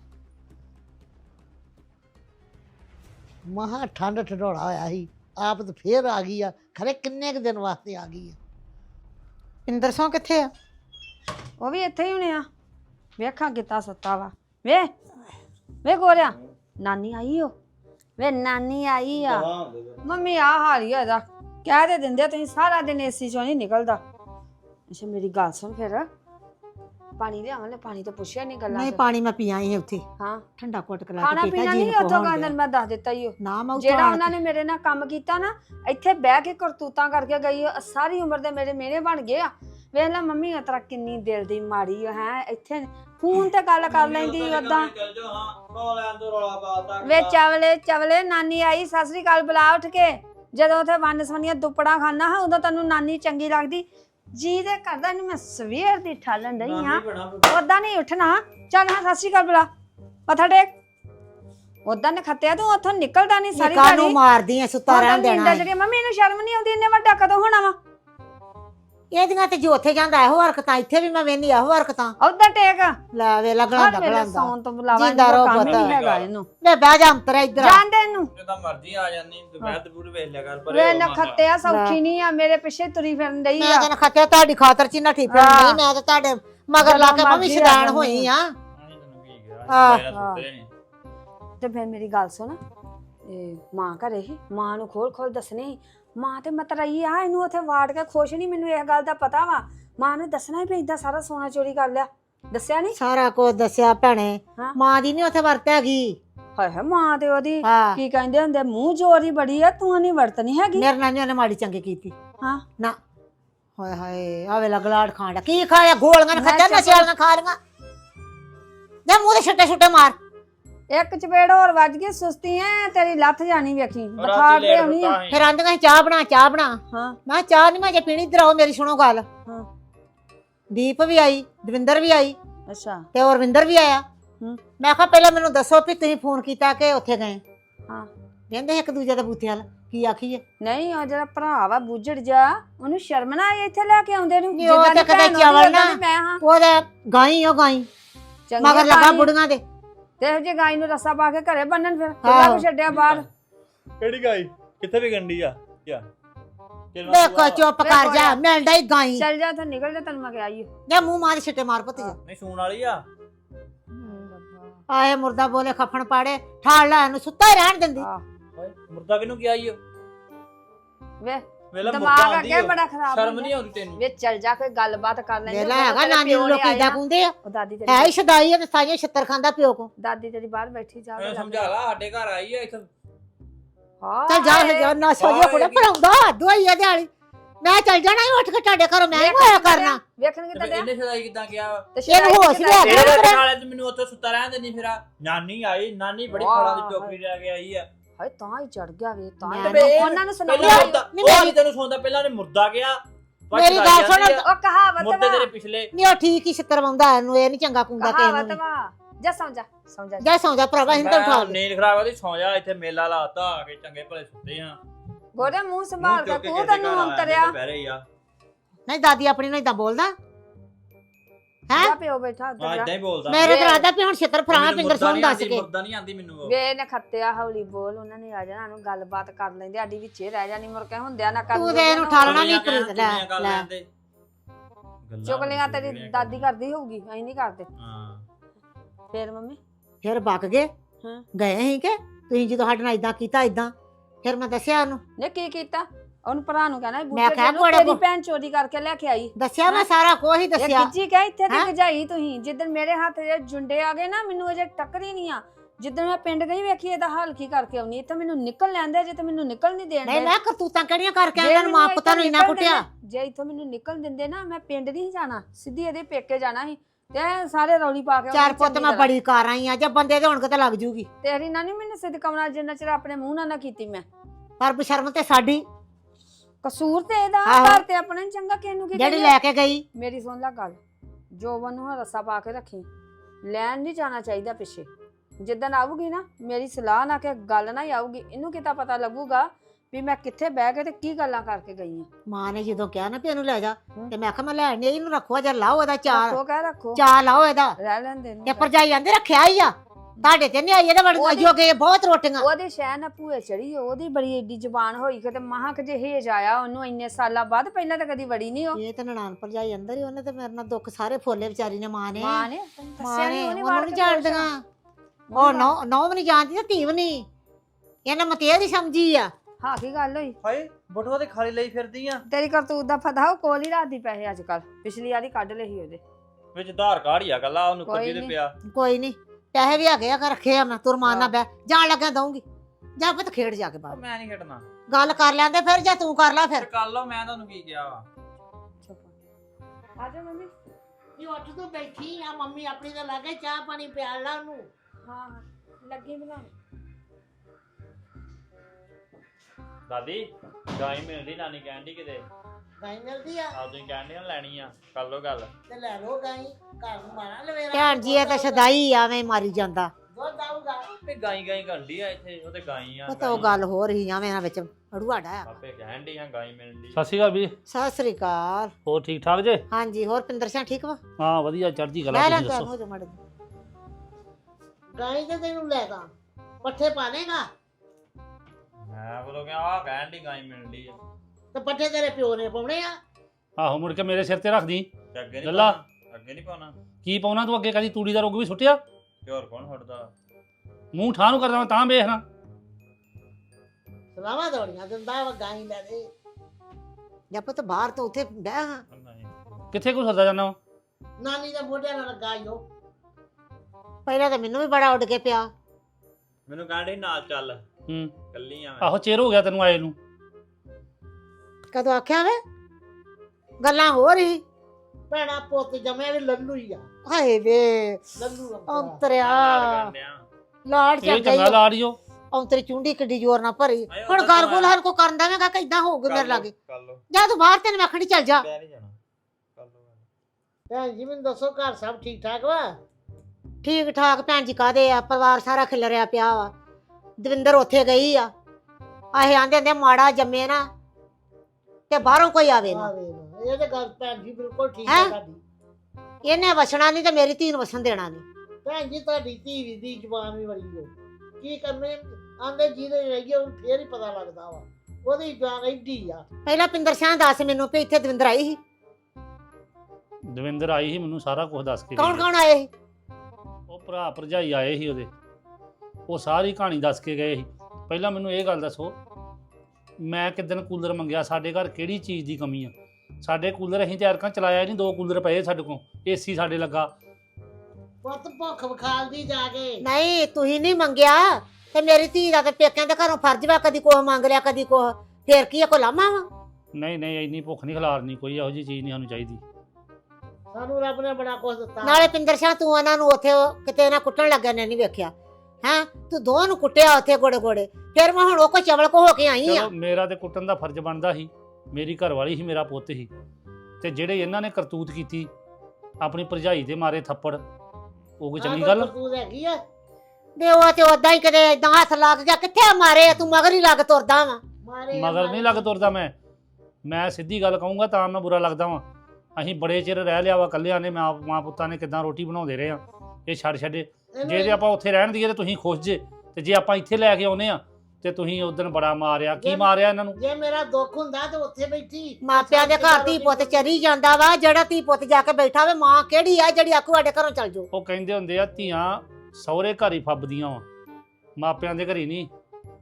Speaker 3: ਮਹਾ ਠੰਡ ਠੰਡੋੜਾ ਹੋਇਆ ਸੀ। ਆਪ ਤਾਂ ਫੇਰ ਆ ਗਈ ਆ। ਖਰੇ ਕਿੰਨੇ ਕੁ ਦਿਨ ਵਾਸਤੇ ਆ ਗਈ ਆ।
Speaker 1: ਇੰਦਰ ਸੌ ਕਿੱਥੇ ਆ?
Speaker 2: ਉਹ ਵੀ ਇੱਥੇ ਹੀ ਹੋਣੇ ਆ। ਵੇਖਾਂ ਕਿਤਾ ਸੁੱਤਾ ਵਾ। ਵੇ ਵੇ ਗੋਰਿਆ ਨਾਨੀ ਆਈ ਓ। ਵੇ ਨਾਨੀ ਆਈ ਆ। ਮੰਮੀ ਆ ਹਾਲ ਹੀ ਆ ਇਹਦਾ। ਕਹਿ ਦੇ ਦਿੰਦੇ ਤੁਸੀਂ ਸਾਰਾ ਦਿਨ ਏਸੀ ਚੋਂ ਨਹੀਂ ਨਿਕਲਦਾ। ਅੱਛਾ ਮੇਰੀ ਗੱਲ ਸੁਣ ਫਿਰ। ਪਾਣੀ ਲਿਆਵਾਂ ਲੈ? ਪਾਣੀ ਤਾਂ ਪੁੱਛਿਆ ਨਹੀਂ ਗੱਲਾਂ
Speaker 1: ਨਹੀਂ
Speaker 2: ਚ।
Speaker 1: ਪਾਣੀ ਮੈਂ ਪੀ ਆਈ ਹਾਂ ਉੱਥੇ।
Speaker 2: ਹਾਂ
Speaker 1: ਠੰਡਾ ਕੁੱਟ ਕੇ ਲਾ
Speaker 2: ਖਾਣਾ
Speaker 1: ਕੇ ਪੀਤਾ
Speaker 2: ਪੀਣਾ
Speaker 1: ਜੀ
Speaker 2: ਨਹੀਂ
Speaker 1: ਨੂੰ
Speaker 2: ਉੱਥੋਂ
Speaker 1: ਕੋਹਾਂ
Speaker 2: ਕਹਿੰਦੇ ਮੈਂ ਦੱਸ ਦਿੱਤਾ ਹੀ ਉਹ।
Speaker 1: ਨਾ ਮੈਂ
Speaker 2: ਜਿਹੜਾ ਉਹਨਾਂ ਨੇ ਮੇਰੇ ਨਾਲ ਕੰਮ ਕੀਤਾ ਨਾ ਇੱਥੇ ਬਹਿ ਕੇ ਕਰਤੂਤਾਂ ਕਰਕੇ ਗਈ ਆ, ਸਾਰੀ ਉਮਰ ਦੇ ਮੇਰੇ ਮਿਹਣੇ ਬਣ ਗਏ ਆ। ਵੇਖ ਲੈ ਮੰਮੀ ਉਤਰਾ ਕਿੰਨੀ ਦਿਲ ਦੀ ਮਾੜੀ ਹੈ। ਇੱਥੇ ਫੋਨ ਤੇ ਗੱਲ ਕਰ ਲੈਂਦੀ ਓਦਾਂ। ਵੇ ਚਵਲੇ ਚਵਲੇ ਨਾਨੀ ਆਈ। ਸਤਿ ਸ੍ਰੀ ਅਕਾਲ ਬੁਲਾ ਉੱਠ ਕੇ। ਜਦੋਂ ਉੱਥੇ ਵੰਨ ਸਵੰਨੀਆਂ ਦੁੱਪੜਾ ਖਾਣਾ ਹਾਂ ਉਦੋਂ ਤੈਨੂੰ ਨਾਨੀ ਚੰਗੀ ਲੱਗਦੀ। ਜੀ ਦੇ ਕਰਦਾ ਇਹਨੂੰ ਮੈਂ ਸਵੇਰ ਦੀ ਠਾਲਣ ਡਈ ਹਾਂ। ਓਦਾਂ ਨਹੀਂ ਉੱਠਣਾ। ਚੱਲ ਹਾਂ ਸਤਿ ਸ੍ਰੀ ਅਕਾਲ ਬੁਲਾ ਮੱਥਾ ਟੇਕ। ਓਦਾਂ ਨੇ ਖੱਤਿਆ ਤੂੰ ਉੱਥੋਂ ਨਿਕਲਦਾ ਨਹੀਂ ਸਾਰੀ
Speaker 1: ਕਾਹਨੂੰ
Speaker 2: ਦਿਹਾੜੀ।
Speaker 1: ਮਾਰਦੀ ਐ? ਸੁੱਤਾ ਰਹਿਣ ਦੇਣਾ।
Speaker 2: ਜਿਹੜੀ ਮੰਮੀ ਇਹਨੂੰ ਸ਼ਰਮ ਨਹੀਂ ਆਉਂਦੀ ਇੰਨੇ ਵੱਡਾ ਕਦੋਂ ਹੋਣਾ ਵਾ?
Speaker 1: ਇਹਦੀਆਂ ਤੇ ਜੋ ਉੱਥੇ ਜਾਂਦਾ ਇਹੋ ਹਰਕਤਾਂ ਇੱਥੇ ਵੀ ਮੈਂ ਵੇਨੀ ਇਹੋ ਹਰਕਤਾਂ।
Speaker 2: ਓਦਾਂ ਟੇਕ
Speaker 1: ਲੈ ਵੇ ਲੱਗਣਾ ਦਾ
Speaker 2: ਮੇਰੇ
Speaker 1: ਗਲਾਂਦਾ।
Speaker 2: ਸੌਣ ਤੋਂ ਬੁਲਾਵਾ
Speaker 1: ਜਿੰਦਾ ਰਹੋ
Speaker 2: ਕੰਮ ਹੀ
Speaker 1: ਪੁੱਤ।
Speaker 2: ਨਹੀਂ ਹੈਗਾ ਇਹਨੂੰ।
Speaker 1: ਵੇ ਬਹਿ ਜਾ ਅੰਤਰਾ ਇੱਧਰ ਆ।
Speaker 2: ਜਾਣਦੇ ਇਹਨੂੰ
Speaker 4: ਜਦੋਂ ਮਰਜ਼ੀ ਆ ਜਾਂਦੀ ਦੁਪਹਿਰ ਤੇ ਪੂਰੇ ਵੇਖ ਲਿਆ ਕਰ। ਪਰ
Speaker 2: ਵੇ ਨਖੱਤਿਆ ਸੌਖੀ ਨਹੀਂ ਆ। ਮੇਰੇ ਪਿੱਛੇ ਤੁਰੀ ਫਿਰਨ ਡਈ
Speaker 1: ਮੈਂ
Speaker 2: ਆ।
Speaker 1: ਤਾਂ ਖੱਤਿਆ ਤੁਹਾਡੀ ਖਾਤਰ ਚ ਨੱਠੀ ਫਿਰਨ ਨਹੀਂ। ਮੈਂ ਤਾਂ ਤੁਹਾਡੇ ਮਗਰ ਲਾ ਕੇ ਮੈਂ ਵੀ ਸ਼ੈਤਾਨ ਹੋਈ ਆ।
Speaker 2: ਤੇ ਫਿਰ ਮੇਰੀ ਗੱਲ ਸੁਣ। ਇਹ ਮਾਂ ਘਰੇ ਹੀ ਮਾਂ ਨੂੰ ਖੋਲ ਖੋਲ ਦੱਸਣੀ ਸੀ। ਮਾਂ ਤੇ ਮਤਰਈ ਆ। ਇਹਨੂੰ ਉੱਥੇ ਵਾੜ ਕੇ ਖੁਸ਼ ਨਹੀਂ। ਮੈਨੂੰ ਇਸ ਗੱਲ ਦਾ ਪਤਾ ਵਾ। ਮਾਂ ਨੂੰ ਦੱਸਣਾ ਹੀ ਵੀ ਏਦਾਂ ਸਾਰਾ ਸੋਨਾ ਚੋਰੀ ਕਰ ਲਿਆ। ਦੱਸਿਆ ਨਹੀਂ?
Speaker 1: ਸਾਰਾ ਕੁਝ ਦੱਸਿਆ ਭੈਣੇ।
Speaker 2: ਹਾਂ।
Speaker 1: ਮਾਂ ਦੀ ਨਹੀਂ ਉੱਥੇ ਵਰਤ ਹੈਗੀ।
Speaker 2: ਹਾਏ ਹਾਏ ਮਾਂ ਤੇ ਉਹਦੀ
Speaker 1: ਹਾਂ
Speaker 2: ਕੀ ਕਹਿੰਦੇ ਹੁੰਦੇ ਮੂੰਹ ਜੋਰੀ ਬੜੀ ਆ। ਤੂੰ ਨਹੀਂ ਵਰਤਨੀ ਹੈਗੀ।
Speaker 1: ਮੇਰੇ ਨਾਲ ਨੀ ਉਹਨੇ ਮਾੜੀ ਚੰਗੀ ਕੀਤੀ।
Speaker 2: ਹਾਂ
Speaker 1: ਨਾ ਹਾਏ ਹਾਏ ਆਵੇ ਲਗਲਾੜ ਖਾਂਡਾ ਕੀ ਖਾਇਆ? ਗੋਲੀਆਂ ਖੱਟਾ ਨਸ਼ੇ ਵਾਲੀਆਂ ਖਾ ਲੀਆਂ। ਜਾ ਮੂੰਹ ਤੇ ਛੱਟੇ ਛੁੱਟੇ ਮਾਰ।
Speaker 2: ਇੱਕ ਚਪੇੜ ਹੋਰ ਵੱਜ ਗਈ ਸੁਸਤੀ ਐ ਤੇਰੀ ਲੱਥ ਜਾਣੀ ਵੇਖੀ ਬੁਖਾਰ ਤੇ ਆਉਣੀ ਆ।
Speaker 1: ਫਿਰ ਆਂਦੀਆਂ ਸੀ ਚਾਹ ਬਣਾ ਚਾਹ ਬਣਾ।
Speaker 2: ਹਾਂ
Speaker 1: ਮੈਂ ਕਿਹਾ ਚਾਹ ਨਹੀਂ ਮੈਂ ਜੇ ਪੀਣੀ, ਇੱਧਰ ਆਓ ਮੇਰੀ ਸੁਣੋ ਗੱਲ।
Speaker 2: ਹਾਂ
Speaker 1: ਦੀਪ ਵੀ ਆਈ, ਦਵਿੰਦਰ ਵੀ ਆਈ
Speaker 2: ਅੱਛਾ
Speaker 1: ਤੇ ਔਰਵਿੰਦਰ ਵੀ ਆਇਆ।
Speaker 2: ਹੂੰ
Speaker 1: ਮੈਂ ਕਿਹਾ ਪਹਿਲਾਂ ਮੈਨੂੰ ਦੱਸੋ ਵੀ ਤੁਸੀਂ ਫੋਨ ਕੀਤਾ ਕਿ ਉੱਥੇ ਗਏ।
Speaker 2: ਹਾਂ
Speaker 1: ਕਹਿੰਦੇ ਇੱਕ ਦੂਜੇ ਦੇ ਬੂਥੇ ਵੱਲ ਕੀ ਆਖੀਏ।
Speaker 2: ਨਹੀਂ ਉਹ ਜਿਹੜਾ ਭਰਾ ਵਾ ਬੁੱਝੜ ਜਾ ਉਹਨੂੰ ਸ਼ਰਮ ਨਾ ਆਈ ਇੱਥੇ ਲੈ ਕੇ ਆਉਂਦੇ ਨੂੰ।
Speaker 1: ਨਹੀਂ, ਉਹ
Speaker 2: ਜਿੱਦਾਂ
Speaker 1: ਤਾਂ
Speaker 2: ਦੀ
Speaker 1: ਕਦੇ
Speaker 2: ਭੈਣ ਉਹਦੀ,
Speaker 1: ਚਾਵਲ
Speaker 2: ਓਦਾਂ
Speaker 1: ਨਾ-
Speaker 2: ਦੀ ਮੈਂ ਹਾਂ
Speaker 1: ਉਹਦਾ ਗਾਈ ਉਹ ਗਾਈ
Speaker 2: ਚੰਗੀ
Speaker 1: ਮਗਰ ਲੱਗਾ
Speaker 2: ਗਾਈ।
Speaker 1: ਬੁੜੀਆਂ ਦੇ।
Speaker 2: ਤੇ ਇਹੋ ਜਿਹੀ ਗਾਈ ਨੂੰ ਰੱਸਾ ਪਾ ਕੇ ਘਰੇ ਬੰਨਣ ਫਿਰ
Speaker 1: ਆਹੋ।
Speaker 2: ਖੁੱਲਾ ਕੁ ਛੱਡਿਆ ਬਾਹਰ।
Speaker 4: ਕਿਹੜੀ ਗਾਈ ਕਿੱਥੇ ਵੀ ਗੰਡੀ ਆ ਯਾ
Speaker 1: ਦੇਖੋ ਚੁੱਪ ਕਰ ਜਾ, ਮਿਲਦਾ ਹੀ ਗਾਈ।
Speaker 2: ਚੱਲ ਜਾ ਤੇ ਨਿਕਲ ਜਾ ਤੈਨੂੰ ਮੈਂ ਕਿਹਾ ਆਈ
Speaker 1: ਜਾ ਮੂੰਹ ਮਾਰ ਛੱਟੇ ਮਾਰ ਪੁੱਤ ਜਾ।
Speaker 4: ਨਹੀਂ ਸੂਣ ਵਾਲੀ ਆ।
Speaker 1: ਆਏ ਮੁਰਦਾ ਬੋਲੇ ਖੱਫਣ ਪਾੜੇ ਠਾਲ ਲੈ ਇਹਨੂੰ, ਸੁੱਤਾ ਹੀ ਰਹਿਣ ਦਿੰਦੀ।
Speaker 4: ਓਏ ਮੁਰਦਾ ਕਿਹਨੂੰ ਕੀ ਆਈ ਓ
Speaker 2: ਵੇ
Speaker 4: ਵੇਲਾ
Speaker 2: ਦਿਮਾਗ
Speaker 4: ਮੁਰਦਾ ਆਂਦੀ
Speaker 2: ਅੱਗੇ ਬੜਾ ਖਰਾਬ
Speaker 4: ਸ਼ਰਮ
Speaker 2: ਹੋ
Speaker 4: ਨਹੀਂ
Speaker 2: ਗਿਆ।
Speaker 4: ਆਉਂਦੀ ਤੈਨੂੰ।
Speaker 2: ਵੇ ਚੱਲ ਜਾ ਕੋਈ ਗੱਲਬਾਤ ਕਰ ਲੈਂਦੇ।
Speaker 1: ਵੇਲਾ ਹੈਗਾ ਨਾਨੀ ਨੂੰ ਲੋਕੀ ਇਦਾਂ ਕੁੰਦੇ ਆ।
Speaker 2: ਉਹ ਦਾਦੀ
Speaker 1: ਹੈ
Speaker 2: ਤੇਰੀ
Speaker 1: ਹੀ ਸ਼ਦਾਈ ਆ ਤੇ ਸਾਈਆਂ ਛਿੱਤਰ ਖਾਂਦਾ ਪਿਓ ਕੋ।
Speaker 2: ਦਾਦੀ ਤੇਰੀ ਬਾਹਰ ਬੈਠੀ ਜਾ
Speaker 4: ਮੈਨੂੰ ਸਮਝਾ ਲਾ, ਸਾਡੇ ਘਰ ਆਈ ਆ ਇੱਥੇ।
Speaker 2: ਹਾਂ
Speaker 1: ਚੱਲ ਜਾ ਫਿਰ ਜਾ ਨਾ ਸੋਜੇ ਕੁੜੇ ਪੜਾਉਂਦਾ ਦੁਆਈ ਆ ਦਿਹਾੜੀ। ਮੈਂ ਚੱਲ ਜਾਣਾ ਹੀ ਉੱਠ ਕੇ ਤੁਹਾਡੇ ਘਰੋਂ, ਮੈਂ ਹੀ ਹੋਇਆ ਕਰਨਾ।
Speaker 2: ਵੇਖਣ
Speaker 4: ਤੇ
Speaker 2: ਕਿੱਦਾਂ ਡਿਆ?
Speaker 4: ਇਹਨੇ ਸਦਾਈ ਕਿਦਾਂ ਗਿਆ ਵਾ?
Speaker 2: ਤੇ
Speaker 1: ਇਹਨੂੰ ਹੋਸ਼ ਵੀ ਹੈਗਾ।
Speaker 4: ਤੇਰੇ ਦੇ ਨਾਲੇ ਤੇ ਮੈਨੂੰ ਉੱਥੇ ਸੁੱਤਾ ਰਹਿਣ ਦੇਣੀ ਫਿਰ। ਨਾਨੀ ਆਈ, ਨਾਨੀ ਬੜੀ ਫਲਾਂ ਦੀ ਟੋਕਰੀ ਲੈ ਕੇ ਆਈ ਆ।
Speaker 2: ਹਾਏ ਤਾਂ ਹੀ ਚੜ ਗਿਆ ਵੇ ਤਾਂ
Speaker 1: ਮੈਂ
Speaker 2: ਹੀ ਉਹਨਾਂ ਨੂੰ
Speaker 4: ਪਹਿਲਾਂ
Speaker 2: ਸੁਣਾਉਂਦਾ
Speaker 4: ਮੁਰਦਾ
Speaker 1: ਨਹੀਂ,
Speaker 4: ਉਹ
Speaker 1: ਮੇਰੀ-
Speaker 4: ਨਹੀਂ ਤੈਨੂੰ ਸੌਂਦਾ, ਪਹਿਲਾਂ ਨੇ ਮੁਰਦਾ ਗਿਆ।
Speaker 1: ਮੇਰੀ ਗੱਲ ਸੁਣ।
Speaker 2: ਉਹ ਕਹਾਵਤ
Speaker 4: ਮੁਰਦੇ
Speaker 2: ਵਾ
Speaker 4: ਤੇਰੇ ਪਿਛਲੇ।
Speaker 1: ਨਹੀਂ ਉਹ ਠੀਕ ਹੀ ਛਿੱਤਰ ਵਾਉਂਦਾ ਇਹਨੂੰ, ਇਹ ਨਹੀਂ ਚੰਗਾ ਕੁੰਦਾ ਕਿਸੇ
Speaker 2: ਕਹਾਵਤ
Speaker 1: ਨੂੰ।
Speaker 2: ਵਾ ਜਾ ਸਮਝਾ ਸਮਝਾ
Speaker 1: ਜਾ ਸੌਂ ਜਾ ਭਰਾਵਾ, ਅਸੀਂ ਤਾਂ ਉਠਾ
Speaker 4: ਮੈਂ
Speaker 1: ਦੇ।
Speaker 4: ਨੀਂਦ ਖਰਾਬ ਆਦੀ, ਸੌਂ ਜਾ। ਇੱਥੇ ਮੇਲਾ ਲਾਤਾ ਆ ਕੇ ਚੰਗੇ ਭਲੇ ਸੁੱਤੇ ਆ।
Speaker 2: ਗੋਰੇ ਮੂੰਹ ਸੰਭਾਲ ਕੇ
Speaker 4: ਚੁੱਕ ਕੇ
Speaker 2: ਤੂੰ
Speaker 4: ਕਿਸੇ
Speaker 2: ਤੈਨੂੰ
Speaker 4: ਘਰ ਆਇਆ
Speaker 2: ਅੰਤਰਿਆ
Speaker 4: ਦੁਪਹਿਰੇ ਹੀ ਆ।
Speaker 1: ਨਹੀਂ ਦਾਦੀ ਆਪਣੀ ਨੂੰ ਇਦਾਂ ਬੋਲਦਾ ਹੈ।
Speaker 2: ਜਾ ਪਿਓ ਬੈਠਾ
Speaker 4: ਹਾਂ
Speaker 2: ਉੱਧਰ
Speaker 4: ਇਦਾਂ ਹੀ ਬੋਲਦਾ।
Speaker 1: ਮੇਰੇ ਤੇ ਰਾਦਾ ਵੀ ਹੁਣ ਛਿੱਤਰ ਫਰਾਂ ਪਿੰਦਰ ਸੌਂ ਦੱਸ ਕੇ।
Speaker 4: ਮੁਰਦਾ ਨਹੀਂ ਆਂਦੀ ਮੈਨੂੰ ਉਹ।
Speaker 2: ਵੇ ਨੇ ਖੱਤਿਆ ਹੌਲੀ ਬੋਲ, ਉਹਨਾਂ ਨੇ ਆ ਜਾਣਾ, ਨੂੰ ਗੱਲਬਾਤ ਕਰ ਲੈਂਦੇ, ਆਡੀ ਵਿੱਚੇ ਰਹਿ ਜਾਣੀ, ਮੁੜ ਕੇ ਹੁੰਦਿਆ ਨਾ ਕਰ
Speaker 1: ਤੂੰ ਤੇ ਇਹਨੂੰ ਠਾਲਣਾ ਨਹੀਂ ਪ੍ਰੀਤ ਲੈ
Speaker 4: ਕਰ
Speaker 1: ਲੈ।
Speaker 4: ਲੈਂਦੇ। ਗੱਲਾਂ
Speaker 2: ਚੁਗਲੀਆਂ ਤੇਰੀ
Speaker 4: ਜਿਹੜੀਆਂ
Speaker 2: ਦਾਦੀ ਕਰਦੀ ਹੋਊਗੀ, ਅਸੀਂ ਨਹੀਂ ਕਰਦੇ।
Speaker 4: ਹਾਂ
Speaker 2: ਫੇਰ ਮੰਮੀ
Speaker 1: ਫਿਰ ਬਕ ਗਏ
Speaker 2: ਹਾਂ
Speaker 1: ਗਏ ਸੀ ਕਿ ਤੁਸੀਂ ਜਦੋਂ ਸਾਡੇ ਨਾਲ ਇਦਾਂ ਕੀਤਾ ਇਦਾਂ। ਫਿਰ ਮੈਂ ਦੱਸਿਆ ਉਹਨੂੰ,
Speaker 2: ਨੇ ਕੀ ਕੀਤਾ? ਉਹਨੂੰ ਭਰਾ ਨੂੰ ਕਹਿਣਾ
Speaker 1: ਮੈਂ
Speaker 2: ਬੂਟੇ
Speaker 1: ਕਿਹਾ
Speaker 2: ਨੂੰ
Speaker 1: ਘੋੜੇ
Speaker 2: ਤੇਰੀ
Speaker 1: ਕੋ-
Speaker 2: ਭੈਣ ਚੋਰੀ ਕਰਕੇ ਲੈ ਕੇ ਆਈ।
Speaker 1: ਦੱਸਿਆ ਮੈਂ ਸਾਰਾ ਕੁਝ ਹੀ
Speaker 2: ਇਹ
Speaker 1: ਦੱਸਿਆ।
Speaker 2: ਕਿੱਜੀ ਕਹਿ ਇੱਥੇ
Speaker 1: ਹੈਂ?
Speaker 2: ਤੇ ਗਜਾਈ ਤੁਸੀਂ ਜਿੱਦਣ ਮੇਰੇ ਹੱਥ 'ਚ ਜੁੰਡੇ ਆ ਗਏ ਨਾ, ਮੈਨੂੰ ਅਜੇ ਟੱਕਰੀ ਨਹੀਂ ਆ। ਜਿੱਦਣ ਮੈਂ ਪਿੰਡ ਗਈ ਵੇਖੀ ਇਹਦਾ ਹਾਲ ਕੀ ਕਰਕੇ ਆਉਣੀ, ਇੱਥੇ ਮੈਨੂੰ ਨਿਕਲ ਲੈਂਦੇ, ਜੇ ਤੇ ਮੈਨੂੰ ਨਿਕਲ ਨਹੀਂ ਦੇਣ
Speaker 1: ਨਹੀਂ
Speaker 2: ਦੇ।
Speaker 1: ਮੈਂ ਕਰਤੂਤਾਂ ਕਿਹੜੀਆਂ ਕਰਕੇ
Speaker 2: ਜੇ
Speaker 1: ਇਹਨਾਂ ਨੂੰ ਮਾਂ
Speaker 2: ਮੈਨੂੰ
Speaker 1: ਪੁੱਤਾਂ ਨੂੰ
Speaker 2: ਇੱਥੋਂ
Speaker 1: ਇੰਨਾ
Speaker 2: ਨਿਕਲ
Speaker 1: ਕੁੱਟਿਆ।
Speaker 2: ਦਿੰਦੇ- ਜੇ ਇੱਥੋਂ ਮੈਨੂੰ ਨਿਕਲ ਦਿੰਦੇ ਨਾ, ਮੈਂ ਪਿੰਡ ਨਹੀਂ ਜਾਣਾ, ਸਿੱਧੀ ਇਹਦੇ ਪੇਕੇ ਜਾਣਾ ਸੀ ਤੇ ਐਂ ਸਾਰੇ ਰੌਲੀ ਪਾ ਕੇ
Speaker 1: ਚਾਰ
Speaker 2: ਆਉਣੀ
Speaker 1: ਪੁੱਤ
Speaker 2: ਚੰਗੀ
Speaker 1: ਮੈਂ
Speaker 2: ਤਰ੍ਹਾਂ।
Speaker 1: ਬੜੀ ਕਾਰ ਆਈ ਆ, ਜੇ ਬੰਦੇ ਦੇ ਹੋਣਗੇ ਤਾਂ ਲੱਗ ਜੂਗੀ।
Speaker 2: ਤੇਰੀ ਨਾਨੀ ਮੈਨੂੰ ਸਿੱਧਕਮਣਾ ਜਿੰਨਾ ਚਿਰ ਆਪਣੇ ਮੂੰਹ ਨਾਲ ਨਾ ਕੀਤੀ ਮੈਂ।
Speaker 1: ਪਰ ਬਸ਼ਰਮ ਤੇ ਸਾਡੀ
Speaker 2: ਕਸੂਰ ਤੇ ਇਹਦਾ,
Speaker 1: ਆਹੋ।
Speaker 2: ਘਰ ਤੇ ਆਪਣੇ ਚੰਗਾ ਕਿਸੇ ਨੂੰ ਕੀ
Speaker 1: ਜਿਹੜੀ
Speaker 2: ਕਹਿੰਦੇ?
Speaker 1: ਲੈ ਕੇ ਗਈ।
Speaker 2: ਮੇਰੀ ਸੁਣ ਲੈ ਗੱਲ, ਜੋਬਨ ਨੂੰ ਰੱਸਾ ਪਾ ਕੇ ਰੱਖੀ, ਲੈਣ ਨਹੀਂ ਜਾਣਾ ਚਾਹੀਦਾ ਪਿੱਛੇ। ਜਿੱਦਣ ਆਊਗੀ ਨਾ, ਮੇਰੀ ਸਲਾਹ ਨਾ ਕਿ ਗੱਲ ਨਾ ਹੀ ਆਊਗੀ, ਇਹਨੂੰ ਕਿਤਾ ਪਤਾ ਲੱਗੂਗਾ ਵੀ ਮੈਂ ਕਿੱਥੇ ਬਹਿ ਕੇ ਤੇ ਕੀ ਗੱਲਾਂ ਕਰਕੇ ਗਈ ਆ।
Speaker 1: ਮਾਂ ਨੇ ਜਦੋਂ ਕਿਹਾ ਨਾ ਵੀ ਇਹਨੂੰ ਲੈ ਜਾ, ਤੇ ਮੈਂ ਕਿਹਾ ਮੈਂ ਲੈਣ ਨਹੀਂ, ਇਹਨੂੰ ਰੱਖੋ ਜਾਂ ਲਾਓ ਇਹਦਾ ਚਾਰ
Speaker 2: ਰੱਖੋ ਕਹਿ ਰੱਖੋ,
Speaker 1: ਚਾਰ ਲਾਓ ਇਹਦਾ।
Speaker 2: ਰਹਿ ਲੈਂਦੇ
Speaker 1: ਤੇ
Speaker 2: ਇਹਨੂੰ।
Speaker 1: ਭਰਜਾਈ ਜਾਂਦੇ ਰੱਖਿਆ ਹੀ ਆ, ਤੁਹਾਡੇ ਤੇ ਨਹੀਂ ਆਈ ਇਹਦਾ ਵੜ
Speaker 2: ਉਹਦੀ-
Speaker 1: ਜੋਗੇ ਬਹੁਤ ਰੋਟੀਆਂ।
Speaker 2: ਉਹਦੀ ਸ਼ਹਿ ਨਾ ਭੂਏ ਚੜੀ, ਉਹਦੀ ਬੜੀ ਏਡੀ ਜ਼ੁਬਾਨ ਹੋਈ ਕਿ ਤੇ ਮਹਾਂ ਕਿ ਜੇ ਹੇਜ ਆਇਆ ਉਹਨੂੰ ਇੰਨੇ ਸਾਲਾਂ ਬਾਅਦ, ਪਹਿਲਾਂ ਤਾਂ ਕਦੀ ਵੜੀ ਨਹੀਂ ਉਹ।
Speaker 1: ਇਹ ਤਾਂ ਨਨਾਣ ਭਰਜਾਈ ਅੰਦਰ ਹੀ, ਉਹਨੇ ਤੇ ਮੇਰੇ ਨਾਲ ਦੁੱਖ ਸਾਰੇ ਫੋਲੇ ਵਿਚਾਰੀ ਨੇ ਮਾਂ ਨੇ।
Speaker 2: ਮਾਂ ਨੇ ਤੈਨੂੰ ਦੱਸਿਆ ਨੀ, ਉਹਨੇ
Speaker 1: ਉਹਨੂੰ
Speaker 2: ਵਾੜ
Speaker 1: ਨਹੀਂ
Speaker 2: ਕੇ
Speaker 1: ਜਾਣਦੀਆਂ। ਉਹ ਨੌ ਵੀ ਨਹੀਂ ਜਾਣਦੀ ਤੇ ਧੀ ਵੀ ਨਹੀਂ। ਇਹਨੇ ਮਤੇਰ ਹੀ ਸਮਝੀ ਆ।
Speaker 2: ਹਾਂ ਕੀ ਗੱਲ ਹੋਈ?
Speaker 4: ਹਾਏ ਬਟੂਆ ਤੇ ਖਾਲੀ ਲਈ ਫਿਰਦੀ ਆ।
Speaker 2: ਤੇਰੀ ਕਰਤੂਤ ਦਾ ਪਤਾ, ਉਹ ਕੋਲ ਹੀ ਰਾਦੀ ਪੈਸੇ ਅੱਜ ਕੱਲ, ਪਿਛਲੀ ਵਾਰੀ ਕੱਢ ਲਏ ਸੀ ਉਹਦੇ।
Speaker 4: ਵਿੱਚ ਆਧਾਰ ਕਾਰਡ ਹੀ ਆ ਗੱਲਾਂ, ਉਹਨੂੰ
Speaker 2: ਕੋਈ
Speaker 4: ਕੱਢੀ ਤੇ
Speaker 2: ਨੀ।
Speaker 4: ਪਿਆ।
Speaker 1: ਕੋਈ ਨਹੀਂ, ਪੈਸੇ ਵੀ ਹੈਗੇ ਆ ਕਿ ਰੱਖੇ ਆ, ਮੈਂ ਤੁਰਮਾਨ ਨਾ ਬੈ ਜਾਣ ਲੱਗਾ ਦਊਂਗੀ। ਜਾ ਪੁੱਤ ਖੇਡ ਜਾ ਕੇ
Speaker 4: ਉਹ
Speaker 1: ਬਾਹਰ,
Speaker 4: ਮੈਂ ਨਹੀਂ ਖੇਡਣਾ।
Speaker 1: ਗੱਲ ਕਰ ਲੈਂਦੇ ਫਿਰ, ਜਾਂ ਤੂੰ ਕਰ ਲੈ
Speaker 4: ਫਿਰ
Speaker 1: ਫਿਰ।
Speaker 4: ਕਰ ਲਓ, ਮੈਂ ਤੁਹਾਨੂੰ ਕੀ ਕਿਹਾ ਵਾ।
Speaker 2: ਆ ਜਾ ਮੰਮੀ।
Speaker 3: ਇਹ ਉੱਠ ਤੋਂ ਬੈਠੀ ਆ, ਮੰਮੀ ਆਪਣੀ ਤਾਂ ਲੱਗੇ ਚਾਹ ਪਾਣੀ ਪਿਆਲ ਲਾ ਉਹਨੂੰ।
Speaker 2: ਹਾਂ ਲੱਗੀ ਬਣਾਉਣ।
Speaker 4: ਦਾਦੀ ਗਾਈ ਮਿਲਦੀ, ਨਾਨੀ ਕਹਿਣ ਦੀ ਕਿਤੇ
Speaker 3: ਗਾਈ ਮਿਲਦੀ ਆ
Speaker 4: ਆ ਤੁਸੀਂ ਕਹਿਣ ਦੀ ਲੈਣੀ ਆ, ਕਰ ਲਓ ਗੱਲ।
Speaker 3: ਤੇ ਲੈ ਲੋ ਗਾਈ, ਘਰ ਨੂੰ ਮਾਰਾ ਲਵੇਰਾ।
Speaker 1: ਭੈਣ ਜੀ ਇਹ ਤਾਂ ਸ਼ਦਾਈ ਆਵੇਂ ਮਾਰੀ ਜਾਂਦਾ।
Speaker 3: ਦੁੱਧ ਆਊਗਾ।
Speaker 4: ਆਪੇ ਗਾਈ ਕਰਦੀ ਆ ਇੱਥੇ, ਉਹ ਤੇ ਗਾਈ ਆ।
Speaker 1: ਉਹ ਤਾਂ ਉਹ ਗੱਲ ਹੋ ਰਹੀ ਆਵੇਂ ਇਹਨਾਂ ਵਿੱਚ ਅੜੂਆ ਡਾ।
Speaker 4: ਆਪੇ ਕਹਿਣ ਦੀ ਆ ਗਾਈ ਮਿਲਦੀ।
Speaker 5: ਸਤਿ ਸ਼੍ਰੀ ਅਕਾਲ ਵੀਰ।
Speaker 1: ਸਤਿ ਸ੍ਰੀ ਅਕਾਲ।
Speaker 5: ਹੋਰ ਠੀਕ ਠਾਕ ਜੇ?
Speaker 1: ਹਾਂਜੀ ਹੋਰ ਪਿੰਦਰ ਸਿੰਘ ਠੀਕ ਵਾ?
Speaker 5: ਹਾਂ ਵਧੀਆ, ਚੜ੍ਹਦੀ ਕਲਾ।
Speaker 1: ਲੈ ਲੈ
Speaker 5: ਤੁਸੀਂ
Speaker 1: ਤੁਹਾਨੂੰ
Speaker 5: ਦੱਸੋ।
Speaker 1: ਹੋ ਜਾ ਮੜ।
Speaker 3: ਗਾਈ ਤੇ ਤੈਨੂੰ ਲੈ ਦਾਂ, ਪੱਠੇ ਪਾਣੇਗਾ
Speaker 4: ਮੈਂ ਬੋਲੋ ਕਿ ਆ ਕਹਿਣ ਦੀ ਗਾਈ ਮਿਲਦੀ ਆ।
Speaker 3: ਤੇ ਪੱਠੇ ਤੇਰੇ ਪਿਓ ਨੇ ਪਾਉਣੇ ਆ।
Speaker 5: ਆਹੋ ਮੁੜ ਕੇ ਮੇਰੇ ਸਿਰ ਤੇ ਰੱਖਦੀ।
Speaker 4: ਤੇ ਅੱਗੇ ਨਹੀਂ
Speaker 5: ਲੱਲਾ।
Speaker 4: ਪਾਉਣਾ, ਅੱਗੇ ਨਹੀਂ ਪਾਉਣਾ।
Speaker 5: ਕੀ ਪਾਉਣਾ ਤੂੰ ਅੱਗੇ? ਕਦੀ ਤੂੜੀ ਦਾ ਰੁੱਗ ਵੀ ਸੁੱਟਿਆ?
Speaker 4: ਤੇ ਹੋਰ ਕੌਣ ਛੱਡਦਾ?
Speaker 5: ਮੂੰਹ ਠਾਹ ਨੂੰ ਕਰਦਾ ਮੈਂ ਤਾਂ ਵੇਖਣਾ।
Speaker 3: ਸਲਾਵਾ ਦੌੜੀਆਂ ਦਿੰਦਾ ਵਾ, ਗਾਈ ਲੈ ਦੇ।
Speaker 1: ਜਾਂ ਪੁੱਤ ਬਾਹਰ ਤੋਂ ਉੱਥੇ ਬਹਿ ਹਾਂ।
Speaker 4: ਨਹੀਂ
Speaker 5: ਕਿੱਥੇ ਕੋ ਸਰਦਾ ਜਾਂਦਾ ਵਾ?
Speaker 3: ਨਾਨੀ ਦੇ ਮੋਢਿਆਂ ਨਾਲ ਲੱਗਾ ਈ ਉਹ।
Speaker 1: ਪਹਿਲਾਂ ਤਾਂ ਮੈਨੂੰ ਵੀ ਬੜਾ ਉੱਡ ਕੇ ਪਿਆ।
Speaker 4: ਮੈਨੂੰ ਕਹਿਣ ਦੀ ਨਾਲ ਚੱਲ,
Speaker 5: ਹੂੰ
Speaker 4: ਕੱਲੀ ਆ ਮੈਂ।
Speaker 5: ਆਹੋ ਚਿਰ ਹੋ ਗਿਆ ਤੈਨੂੰ ਆਏ ਨੂੰ।
Speaker 1: ਕਦੋਂ ਆਖਿਆ ਵੇ? ਗੱਲਾਂ ਹੋ ਰਹੀ
Speaker 3: ਭੈਣਾ ਪੁੱਤ ਜਮਿਆ ਵੀ ਲੱਲੂ ਹੀ ਆ
Speaker 1: ਹਾਏ ਵੇ
Speaker 3: ਲੱਲੂ
Speaker 1: ਔਂਤਰਿਆ
Speaker 4: ਲਾਡ ਕਰਨ ਡਿਆ।
Speaker 1: ਲਾੜ
Speaker 5: ਇਹ
Speaker 1: ਚੱਗਾ
Speaker 5: ਚੰਗਾ
Speaker 1: ਹੀ
Speaker 5: ਲਾੜੀਓ।
Speaker 1: ਔਂਤਰੀ ਚੁੰਡੀ ਕਿੱਡੀ ਜ਼ੋਰ ਨਾਲ ਭਰੀ
Speaker 4: ਹਾਏ,
Speaker 1: ਹੁਣ
Speaker 4: ਉਹਦਾ
Speaker 1: ਘਰ ਕੋਲ
Speaker 4: ਤਾਂ
Speaker 1: ਹਰ ਕੋ ਕਰਨ ਦੇਵੇਂਗਾ ਕਿ ਇਦਾਂ ਹੋਊਗਾ ਮੇਰੇ ਲਾਗੇ
Speaker 4: ਕਰ ਲਓ
Speaker 1: ਜਾ ਤੂੰ ਬਾਹਰ ਤੈਨੂੰ ਆਖਣੀ ਚੱਲ ਜਾ
Speaker 4: ਮੈਂ ਨਹੀਂ ਜਾਣਾ ਕਰ ਲਓ
Speaker 3: ਭੈਣ ਜੀ ਮੈਨੂੰ ਦੱਸੋ ਘਰ ਸਭ ਠੀਕ ਠਾਕ ਵਾ
Speaker 1: ਠੀਕ ਠਾਕ ਭੈਣ ਜੀ ਕਾਦੇ ਆ ਪਰਿਵਾਰ ਸਾਰਾ ਖਿਲਰਿਆ ਪਿਆ ਵਾ ਦਵਿੰਦਰ ਉੱਥੇ ਗਈ ਆ ਆਹੇ ਆਂਦੇ ਮਾੜਾ ਜੰਮੇ ਨਾ ਤੇ ਬਾਹਰੋਂ ਕੋਈ ਆਵੇ ਨਾ
Speaker 3: ਆਵੇ ਨਾ ਇਹ ਤੇ ਗੱਲ ਭੈਣ ਜੀ ਬਿਲਕੁਲ ਠੀਕ
Speaker 1: ਹੈਂ?
Speaker 3: ਹੈ ਤੁਹਾਡੀ
Speaker 1: ਇਹਨੇ ਵਸਣਾ ਨਹੀਂ ਤੇ ਮੇਰੀ ਧੀ ਨੂੰ ਵਸਣ ਦੇਣਾ ਨਹੀਂ
Speaker 3: ਭੈਣ ਜੀ ਤੁਹਾਡੀ ਧੀ ਦੀ ਜ਼ੁਬਾਨ ਵੀ ਬੜੀ ਹੋ ਕੀ ਕਰਨੇ ਆਂਦੇ ਜਿਹਦੇ ਰਹੀਏ ਉਹਨੂੰ ਫੇਰ ਹੀ ਪਤਾ ਲੱਗਦਾ ਵਾ ਉਹਦੀ ਜਾਨ ਐਡੀ ਆ
Speaker 1: ਪਹਿਲਾਂ ਪਿੰਦਰ ਸਿੰਘ ਦੱਸ ਮੈਨੂੰ ਵੀ ਇੱਥੇ ਦਵਿੰਦਰ ਆਈ ਸੀ
Speaker 5: ਦਵਿੰਦਰ ਆਈ ਸੀ ਮੈਨੂੰ ਸਾਰਾ ਕੁਝ ਦੱਸ ਕੇ
Speaker 1: ਕੌਣ
Speaker 5: ਗਈ।
Speaker 1: ਕੌਣ ਆਏ ਸੀ
Speaker 5: ਉਹ ਭਰਾ ਭਰਜਾਈ ਆਏ ਸੀ ਉਹਦੇ, ਉਹ ਸਾਰੀ ਕਹਾਣੀ ਦੱਸ ਕੇ ਗਏ ਸੀ। ਪਹਿਲਾਂ ਮੈਨੂੰ ਇਹ ਗੱਲ ਦੱਸੋ, ਮੈਂ ਕਿਦਨ ਕੂਲਰ ਮੰਗਿਆ? ਸਾਡੇ ਘਰ ਕਿਹੜੀ ਚੀਜ਼ ਦੀ ਕਮੀ ਆ? ਸਾਡੇ ਕੂਲਰ ਅਸੀਂ ਤਿਆਰ ਚਲਾਇਆ ਨਹੀਂ, 2 ਕੂਲਰ ਪਏ ਸਾਡੇ ਕੋਲ, ਏਸੀ ਸਾਡੇ ਲੱਗਾ।
Speaker 3: ਪੁੱਤ ਭੁੱਖ ਵਿਖਾਲਦੀ ਜਾ ਕੇ
Speaker 1: ਨਹੀਂ ਤੁਸੀਂ ਨਹੀਂ ਮੰਗਿਆ ਤੇ ਮੇਰੀ ਧੀ ਦਾ ਤੇ ਪੇਕਿਆਂ ਦੇ ਘਰੋਂ ਫਰਜ਼ ਵਾ ਕਦੀ ਕੋਹ ਮੰਗ ਲਿਆ ਕਦੀ ਕੋਹ, ਫੇਰ ਕੀ ਆ ਕੋ ਲਾਮਾ ਵਾ?
Speaker 5: ਨਹੀਂ ਨਹੀਂ ਇੰਨੀ ਭੁੱਖ ਨਹੀਂ ਖਿਲਾਰਨੀ, ਕੋਈ ਇਹੋ ਜਿਹੀ ਚੀਜ਼ ਨਹੀਂ ਸਾਨੂੰ ਚਾਹੀਦੀ।
Speaker 3: ਸਾਨੂੰ ਰੱਬ ਨੇ ਬੜਾ ਕੁਝ ਦਿੱਤਾ
Speaker 1: ਨਾਲੇ ਪਿੰਦਰ ਸਿੰਘ ਤੂੰ ਉਹਨਾਂ ਨੂੰ ਉੱਥੇ ਕਿਤੇ ਨਾ ਕੁੱਟਣ ਲੱਗਿਆ ਨੇ ਨਹੀਂ ਵੇਖਿਆ ਹੈਂ? ਤੂੰ ਦੋਹਾਂ ਨੂੰ ਕੁੱਟਿਆ ਉੱਥੇ ਗੋੜੇ ਗੋੜੇ, ਫਿਰ ਮੈਂ ਹੁਣ ਉਹ ਕੋ ਚਵਲ ਕੋ ਹੋ ਕੇ ਆਈ ਆ।
Speaker 5: ਚਲੋ ਮੇਰਾ ਤੇ ਕੁੱਟਣ ਦਾ ਫਰਜ਼ ਬਣਦਾ ਸੀ, ਮੇਰੀ ਘਰਵਾਲੀ ਸੀ, ਮੇਰਾ ਪੁੱਤ ਸੀ, ਤੇ ਜਿਹੜੇ ਇਹਨਾਂ ਨੇ ਕਰਤੂਤ ਕੀਤੀ ਆਪਣੀ ਭਰਜਾਈ ਦੇ ਮਾਰੇ ਥੱਪੜ, ਉਹ ਕੋਈ ਚੰਗੀ ਗੱਲ?
Speaker 3: ਤੂੰ ਹੈਗੀ ਆ
Speaker 1: ਦੇ ਉਹ ਤੇ ਉਦਾਂ ਹੀ ਕਦੇ ਏਦਾਂ ਹੱਥ ਲੱਗ ਗਿਆ, ਕਿੱਥੇ ਮਾਰੇ ਤੂੰ ਮਗਰ ਹੀ ਲੱਗ ਤੁਰਦਾ ਵਾ।
Speaker 3: ਮਾਰੇ
Speaker 5: ਮਗਰ ਨਹੀਂ ਲੱਗ ਤੁਰਦਾ ਮੈਂ ਸਿੱਧੀ ਗੱਲ ਕਹੂੰਗਾ ਤਾਂ ਮੈਂ ਬੁਰਾ ਲੱਗਦਾ ਵਾਂ। ਅਸੀਂ ਬੜੇ ਚਿਰ ਰਹਿ ਲਿਆ ਵਾ ਕੱਲਿਆਂ ਨੇ, ਮਾਂ ਪੁੱਤਾਂ ਨੇ ਕਿੱਦਾਂ ਰੋਟੀ ਬਣਾਉਂਦੇ ਰਹੇ ਆ। ਇਹ ਛੱਡ ਛੱਡੇ, ਜੇ ਤੇ ਆਪਾਂ ਉੱਥੇ ਰਹਿਣ ਦੀਏ ਤੇ ਤੁਸੀਂ ਖੁਸ਼ ਜੇ, ਤੇ ਜੇ ਆਪਾਂ ਇੱਥੇ ਲੈ ਕੇ ਆਉਨੇ ਆ ਤੇ ਤੁਸੀਂ ਉਦੋਂ ਬੜਾ ਮਾਰਿਆ। ਕੀ ਮਾਰਿਆ ਇਹਨਾਂ ਨੂੰ?
Speaker 3: ਜੇ ਮੇਰਾ ਦੁੱਖ ਹੁੰਦਾ ਤੇ ਉੱਥੇ ਬੈਠੀ
Speaker 1: ਮਾਪਿਆਂ ਦੇ ਘਰ ਧੀ ਪੁੱਤ ਚਰੀ ਜਾਂਦਾ ਵਾ, ਜਿਹੜਾ ਧੀ ਪੁੱਤ ਜਾ ਕੇ ਬੈਠਾ ਵੇ ਮਾਂ ਕਿਹੜੀ ਆ ਜਿਹੜੀ ਆਖੂ ਸਾਡੇ ਘਰੋਂ ਚੱਲ ਜਾਓ।
Speaker 5: ਉਹ ਕਹਿੰਦੇ ਹੁੰਦੇ ਆ ਧੀਆਂ ਸਹੁਰੇ ਘਰ ਹੀ ਫੱਬਦੀਆਂ ਵਾ, ਮਾਪਿਆਂ ਦੇ ਘਰ ਹੀ ਨਹੀਂ।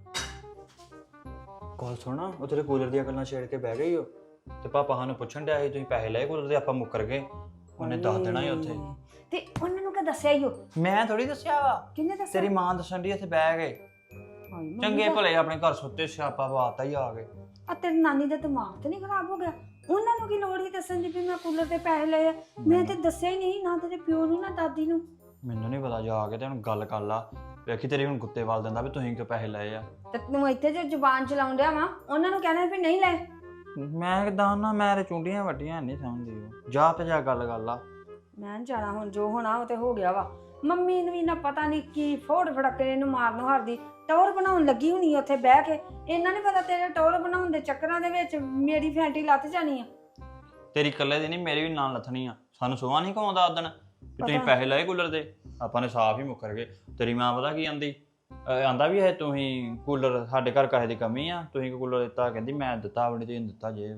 Speaker 4: ਗੱਲ ਸੁਣਾ, ਉਹ ਤੇਰੇ ਕੂਲਰ ਦੀਆਂ ਗੱਲਾਂ ਛੇੜ ਕੇ ਬਹਿ ਗਈ ਹੋ, ਤੇ ਪਾਪਾ ਸਾਨੂੰ ਪੁੱਛਣ ਡਿਆ ਸੀ ਤੁਸੀਂ ਪੈਸੇ ਲਏ ਕੂਲਰ ਦੇ, ਆਪਾਂ ਮੁੱਕਰ ਗਏ। ਉਹਨੇ ਦੱਸ ਦੇਣਾ ਹੀ ਉੱਥੇ।
Speaker 2: ਤੇ ਉਹਨਾਂ ਨੂੰ ਕਿ ਦੱਸਿਆ ਹੀ ਉਹ?
Speaker 4: ਮੈਂ ਥੋੜੀ ਦੱਸਿਆ ਵਾ,
Speaker 2: ਕਿੰਨੇ ਦੱਸਿਆ?
Speaker 4: ਤੇਰੀ ਮਾਂ ਦੱਸਣ ਦੀ ਇੱਥੇ ਬਹਿ ਗਏ।
Speaker 2: ਹਾਏ ਮੰਮੀ
Speaker 4: ਚੰਗੇ
Speaker 2: ਦਾ-
Speaker 4: ਭਲੇ ਆਪਣੇ ਘਰ ਸੁੱਤੇ, ਸਿਆਪਾ ਬਾਤਾ ਹੀ ਆ ਗਏ।
Speaker 2: ਆ ਤੇਰੀ ਨਾਨੀ ਦਾ ਦਿਮਾਗ ਤੇ ਨਹੀਂ ਖਰਾਬ ਹੋ ਗਿਆ? ਉਹਨਾਂ ਨੂੰ ਕੀ ਲੋੜ ਹੀ ਦੱਸਣ ਦੀ ਵੀ ਮੈਂ ਕੂਲਰ ਦੇ ਪੈਸੇ ਲਏ ਆ? ਮੈਂ ਤੇ ਦੱਸਿਆ ਹੀ ਨਹੀਂ, ਨਾ ਤੇਰੇ ਪਿਓ ਨੂੰ ਨਾ ਦਾਦੀ ਨੂੰ।
Speaker 4: ਮੈਨੂੰ ਨਹੀਂ ਪਤਾ, ਜਾ ਕੇ ਤੇ ਹੁਣ ਗੱਲ ਕਰ ਲਾ, ਵੇਖੀ ਤੇਰੀ ਹੁਣ ਗੁੱਤੇ ਵਾਲ ਦਿੰਦਾ ਵੀ ਤੁਸੀਂ ਕਿਉਂ ਪੈਸੇ ਲਏ ਆ।
Speaker 2: ਤੇ ਤੂੰ ਇੱਥੇ ਜੋ ਜ਼ੁਬਾਨ ਚਲਾਉਣ ਡਿਆ ਵਾ, ਉਹਨਾਂ ਨੂੰ ਕਹਿਣਾ ਵੀ ਨਹੀਂ ਲਏ।
Speaker 4: ਮੈਂ ਕਿਦਾਂ ਨਾ, ਮੈਂ ਤੇ ਚੁੰਡੀਆਂ ਵੱਡੀਆਂ ਨਹੀਂ ਸਮਝਦੀ ਉਹ। ਜਾ ਤੇ ਜਾ ਗੱਲ ਕਰ ਲਾ।
Speaker 2: ਮੈਂ ਨੀ ਜਾਣਾ, ਹੁਣ ਜੋ ਹੋਣਾ ਉਹ ਤੇ ਹੋ ਗਿਆ ਵਾ। ਮੰਮੀ ਨੂੰ ਵੀ ਨਾ ਪਤਾ ਨਹੀਂ ਕੀ ਫੋੜ ਫੜਕੇ ਇਹਨੂੰ ਮਾਰਨ ਹਾਰਦੀ ਟੌਰ ਬਣਾਉਣ ਲੱਗੀ ਹੋਣੀ ਉੱਥੇ ਬਹਿ ਕੇ। ਇਹਨਾਂ ਨਹੀਂ ਪਤਾ ਤੇਰੇ ਟੌਰ ਬਣਾਉਣ ਦੇ ਚੱਕਰਾਂ ਦੇ ਵਿੱਚ ਮੇਰੀ ਫੈਂਟੀ ਲੱਥ ਜਾਣੀ ਆ।
Speaker 4: ਤੇਰੀ ਇਕੱਲੇ ਦੀ ਨਹੀਂ, ਮੇਰੀ ਵੀ ਨਾਲ ਲੱਥਣੀ ਆ। ਸਾਨੂੰ ਸੁਆ ਨਹੀਂ ਘਾਉਂਦਾ ਉਦਣ ਵੀ ਤੁਸੀਂ ਪੈਸੇ ਲਏ ਕੂਲਰ ਦੇ, ਆਪਾਂ ਨੇ ਸਾਫ਼ ਹੀ ਮੁੱਕਰ ਗਏ। ਤੇਰੀ ਮਾਂ ਪਤਾ ਕੀ ਆਂਦੀ, ਆਂਦਾ ਵੀ ਇਹ ਤੁਸੀਂ ਕੂਲਰ, ਸਾਡੇ ਘਰ ਕਾਹੇ ਦੀ ਕਮੀ ਆ, ਤੁਸੀਂ ਕੂਲਰ ਦਿੱਤਾ? ਕਹਿੰਦੀ ਮੈਂ ਦਿੱਤਾ ਆਪਣੀ ਤੇ ਦਿੱਤਾ ਜੇ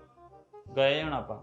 Speaker 4: ਗਏ ਹੁਣ ਆਪਾਂ।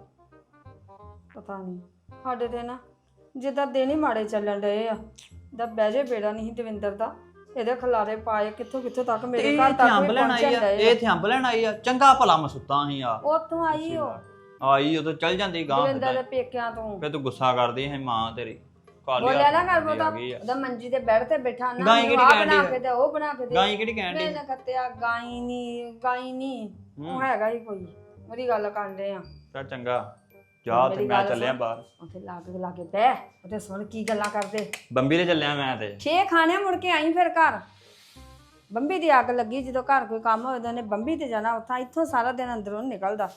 Speaker 2: ਪਤਾ ਨਹੀਂ ਸਾਡੇ ਤੇ ਨਾ ਜਿੱਦਾਂ ਦਿਨ ਹੀ ਮਾੜੇ ਚੱਲਣ ਡਏ ਆ। ਦਾ ਬਹਿ ਜੇ ਬੇੜਾ ਨਹੀਂ ਦਵਿੰਦਰ ਦਾ, ਇਹਦੇ ਖਲਾਰੇ ਪਾਏ ਕਿੱਥੋਂ ਕਿੱਥੋਂ ਤੱਕ ਮੇਰੇ ਘਰ ਤੱਕ ਵੀ ਪਹੁੰਚਣ ਡਏ ਆ।
Speaker 4: ਇਹ ਇੱਥੇ ਅੰਬ ਲੈਣ ਆਈ ਆ, ਚੰਗਾ ਭਲਾ ਮੈਂ ਸੁੱਤਾ ਸੀ ਆ।
Speaker 2: ਉੱਥੋਂ ਆਈ ਉਹ
Speaker 4: ਆਈ ਉਦੋਂ ਚੱਲ ਜਾਂਦੀ ਗਾਂ,
Speaker 2: ਦਵਿੰਦਰ ਦੇ ਪੇਕਿਆਂ ਤੋਂ।
Speaker 4: ਫੇ ਤੂੰ ਗੁੱਸਾ ਕਰਦੀ ਹੈ ਮਾਂ ਤੇਰੀ।
Speaker 2: ਬੋਲਿਆ ਨਾ ਕਰ ਬੋਤਾ, ਉਹਦਾ ਮੰਜੀ ਤੇ ਬੈਠ ਤੇ ਬੈਠਾ ਨਾ,
Speaker 4: ਗਾਈ ਕਿਹੜੀ
Speaker 2: ਆਹ
Speaker 4: ਕਹਿਣ
Speaker 2: ਬਣਾ
Speaker 4: ਡਈ
Speaker 2: ਕੇ ਦੇ, ਉਹ ਬਣਾ ਕੇ ਦੇ।
Speaker 4: ਗਾਈ ਕਿਹੜੀ ਕਹਿਣ
Speaker 2: ਮੈਂ
Speaker 4: ਦੀ?
Speaker 2: ਨਾ ਕੱਤਿਆ ਗਾਈ ਨਹੀਂ ਉਹ ਹੈਗਾ ਹੀ ਕੋਈ। ਮੇਰੀ ਗੱਲ ਕਰਦੇ ਆ,
Speaker 4: ਚੱਲ ਚੰਗਾ ਜਾ, ਤੇ ਮੈਂ ਚੱਲਿਆ ਬਾਹਰ।
Speaker 2: ਉੱਥੇ ਲਾਗੇ ਬਹਿ, ਉੱਥੇ ਸੁਣ ਕੀ ਗੱਲਾਂ ਕਰਦੇ।
Speaker 4: ਬੰਬੀ ਤੇ ਚੱਲਿਆ ਮੈਂ ਤੇ।
Speaker 2: 6 ਖਾਣੇ ਮੁੜ ਕੇ ਆਈ ਫਿਰ ਘਰ। ਬੰਬੀ ਦੀ ਅੱਗ ਲੱਗੀ, ਜਦੋਂ ਘਰ ਕੋਈ ਕੰਮ ਹੋਵੇ ਤਾਂ ਉਹਨੇ ਬੰਬੀ ਤੇ ਜਾਣਾ। ਉੱਥਾਂ ਇੱਥੋਂ ਸਾਰਾ ਦਿਨ ਅੰਦਰੋਂ ਨਿਕਲਦਾ।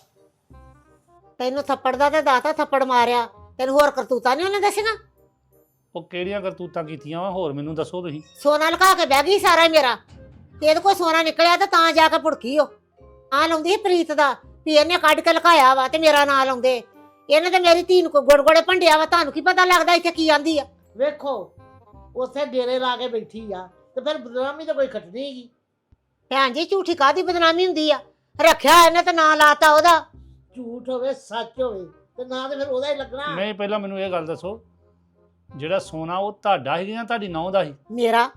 Speaker 1: ਤੈਨੂੰ ਥੱਪੜ ਦਾ ਤੇ ਦਾਤਾ ਥੱਪੜ ਮਾਰਿਆ, ਤੈਨੂੰ ਹੋਰ ਕਰਤੂਤਾ ਨਹੀਂ ਉਹਨੇ ਦੱਸੀਆਂ?
Speaker 5: ਉਹ ਕਿਹੜੀਆਂ ਕਰਤੂਤਾਂ ਕੀਤੀਆਂ ਵਾ, ਹੋਰ ਮੈਨੂੰ ਦੱਸੋ ਤੁਸੀਂ।
Speaker 1: ਸੋਨਾ ਲੁਕਾ ਕੇ ਬਹਿ ਗਈ ਸਾਰਾ ਹੀ ਮੇਰਾ, ਤੇ ਇਹਦੇ ਕੋਲ ਸੋਨਾ ਨਿਕਲਿਆ ਤੇ ਤਾਂ ਜਾ ਕੇ ਭੁੜਕੀ ਉਹ ਆ ਲਾਉਂਦੀ ਸੀ ਪ੍ਰੀਤ ਦਾ ਵੀ ਇਹਨੇ ਕੱਢ ਕੇ ਲੁਕਾਇਆ ਵਾ ਤੇ ਮੇਰਾ ਨਾਂ ਲਾਉਂਦੇ। ਇਹਨੇ ਤੇ ਮੇਰੀ ਧੀ ਨੂੰ ਗੁੜਗੁੜੇ ਭੰਡਿਆ ਵਾ। ਤੁਹਾਨੂੰ ਕੀ ਪਤਾ ਲੱਗਦਾ ਇੱਥੇ ਕੀ ਆਂਦੀ ਆ?
Speaker 3: ਵੇਖੋ ਉੱਥੇ ਡੇਰੇ ਲਾ ਕੇ ਬੈਠੀ ਆ ਤੇ ਫਿਰ ਬਦਨਾਮੀ ਤਾਂ ਕੋਈ ਖੱਟਣੀ ਹੈਗੀ।
Speaker 1: ਭੈਣ ਜੀ ਝੂਠੀ ਕਾਹਦੀ ਬਦਨਾਮੀ ਹੁੰਦੀ ਆ? ਰੱਖਿਆ ਇਹਨੇ ਤੇ ਨਾਂ ਲਾਤਾ ਉਹਦਾ।
Speaker 3: ਝੂਠ ਹੋਵੇ ਸੱਚ ਹੋਵੇ ਤੇ ਨਾ ਤੇ ਫਿਰ ਉਹਦਾ ਹੀ ਲੱਗਣਾ।
Speaker 5: ਨਹੀਂ ਪਹਿਲਾਂ ਮੈਨੂੰ ਇਹ ਗੱਲ ਦੱਸੋ, ਜਿਹੜਾ ਸੋਨਾ ਉਹ ਤੁਹਾਡਾ ਸੀ ਜਾਂ ਤੁਹਾਡੀ ਨੌਂ ਦਾ ਸੀ?
Speaker 1: ਮੇਰਾ।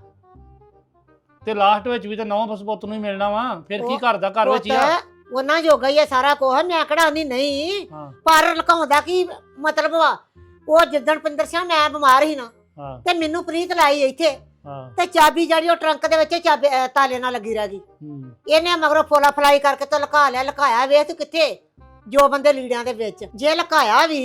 Speaker 5: ਤੇ ਲਾਸਟ ਵਿੱਚ ਵੀ ਤਾਂ ਨੌਂ ਬਸ ਪੁੱਤ ਨੂੰ ਹੀ ਮਿਲਣਾ ਵਾ, ਫਿਰ ਕੀ ਘਰ ਦਾ ਘਰ ਵਿੱਚ ਹੀ ਆ।
Speaker 1: ਉਹਨਾਂ ਜੋਗਾ ਹੀ ਆ ਸਾਰਾ ਕੁਝ, ਮੈਂ ਕਿਹੜਾ ਨਹੀਂ।
Speaker 5: ਹਾਂ
Speaker 1: ਪਰ ਲੁਕਾਉਂਦਾ ਕੀ ਮਤਲਬ ਵਾ? ਉਹ ਜਿੱਦਣ ਪਿੰਦਰ ਸਿੰਘ ਮੈਂ ਬਿਮਾਰ ਸੀ ਨਾ,
Speaker 5: ਹਾਂ
Speaker 1: ਤੇ ਮੈਨੂੰ ਪ੍ਰੀਤ ਲਾਈ ਇੱਥੇ,
Speaker 5: ਹਾਂ।
Speaker 1: ਤੇ ਚਾਬੀ ਜਿਹੜੀ ਉਹ ਟਰੰਕ ਦੇ ਵਿੱਚ ਚਾਬੀ ਤਾਲੇ ਨਾਲ ਲੱਗੀ ਰਹਿ ਗਈ।
Speaker 5: ਹੂੰ।
Speaker 1: ਇਹਨੇ ਮਗਰੋਂ ਫੋਲਾ ਫਲਾਈ ਕਰਕੇ ਤੇ ਲੁਕਾ ਲਿਆ। ਲੁਕਾਇਆ ਵੇਖ ਤੂੰ ਕਿੱਥੇ? ਜੋ ਬੰਦੇ ਲੀੜਿਆਂ ਦੇ ਵਿੱਚ। ਜੇ ਲੁਕਾਇਆ ਵੀ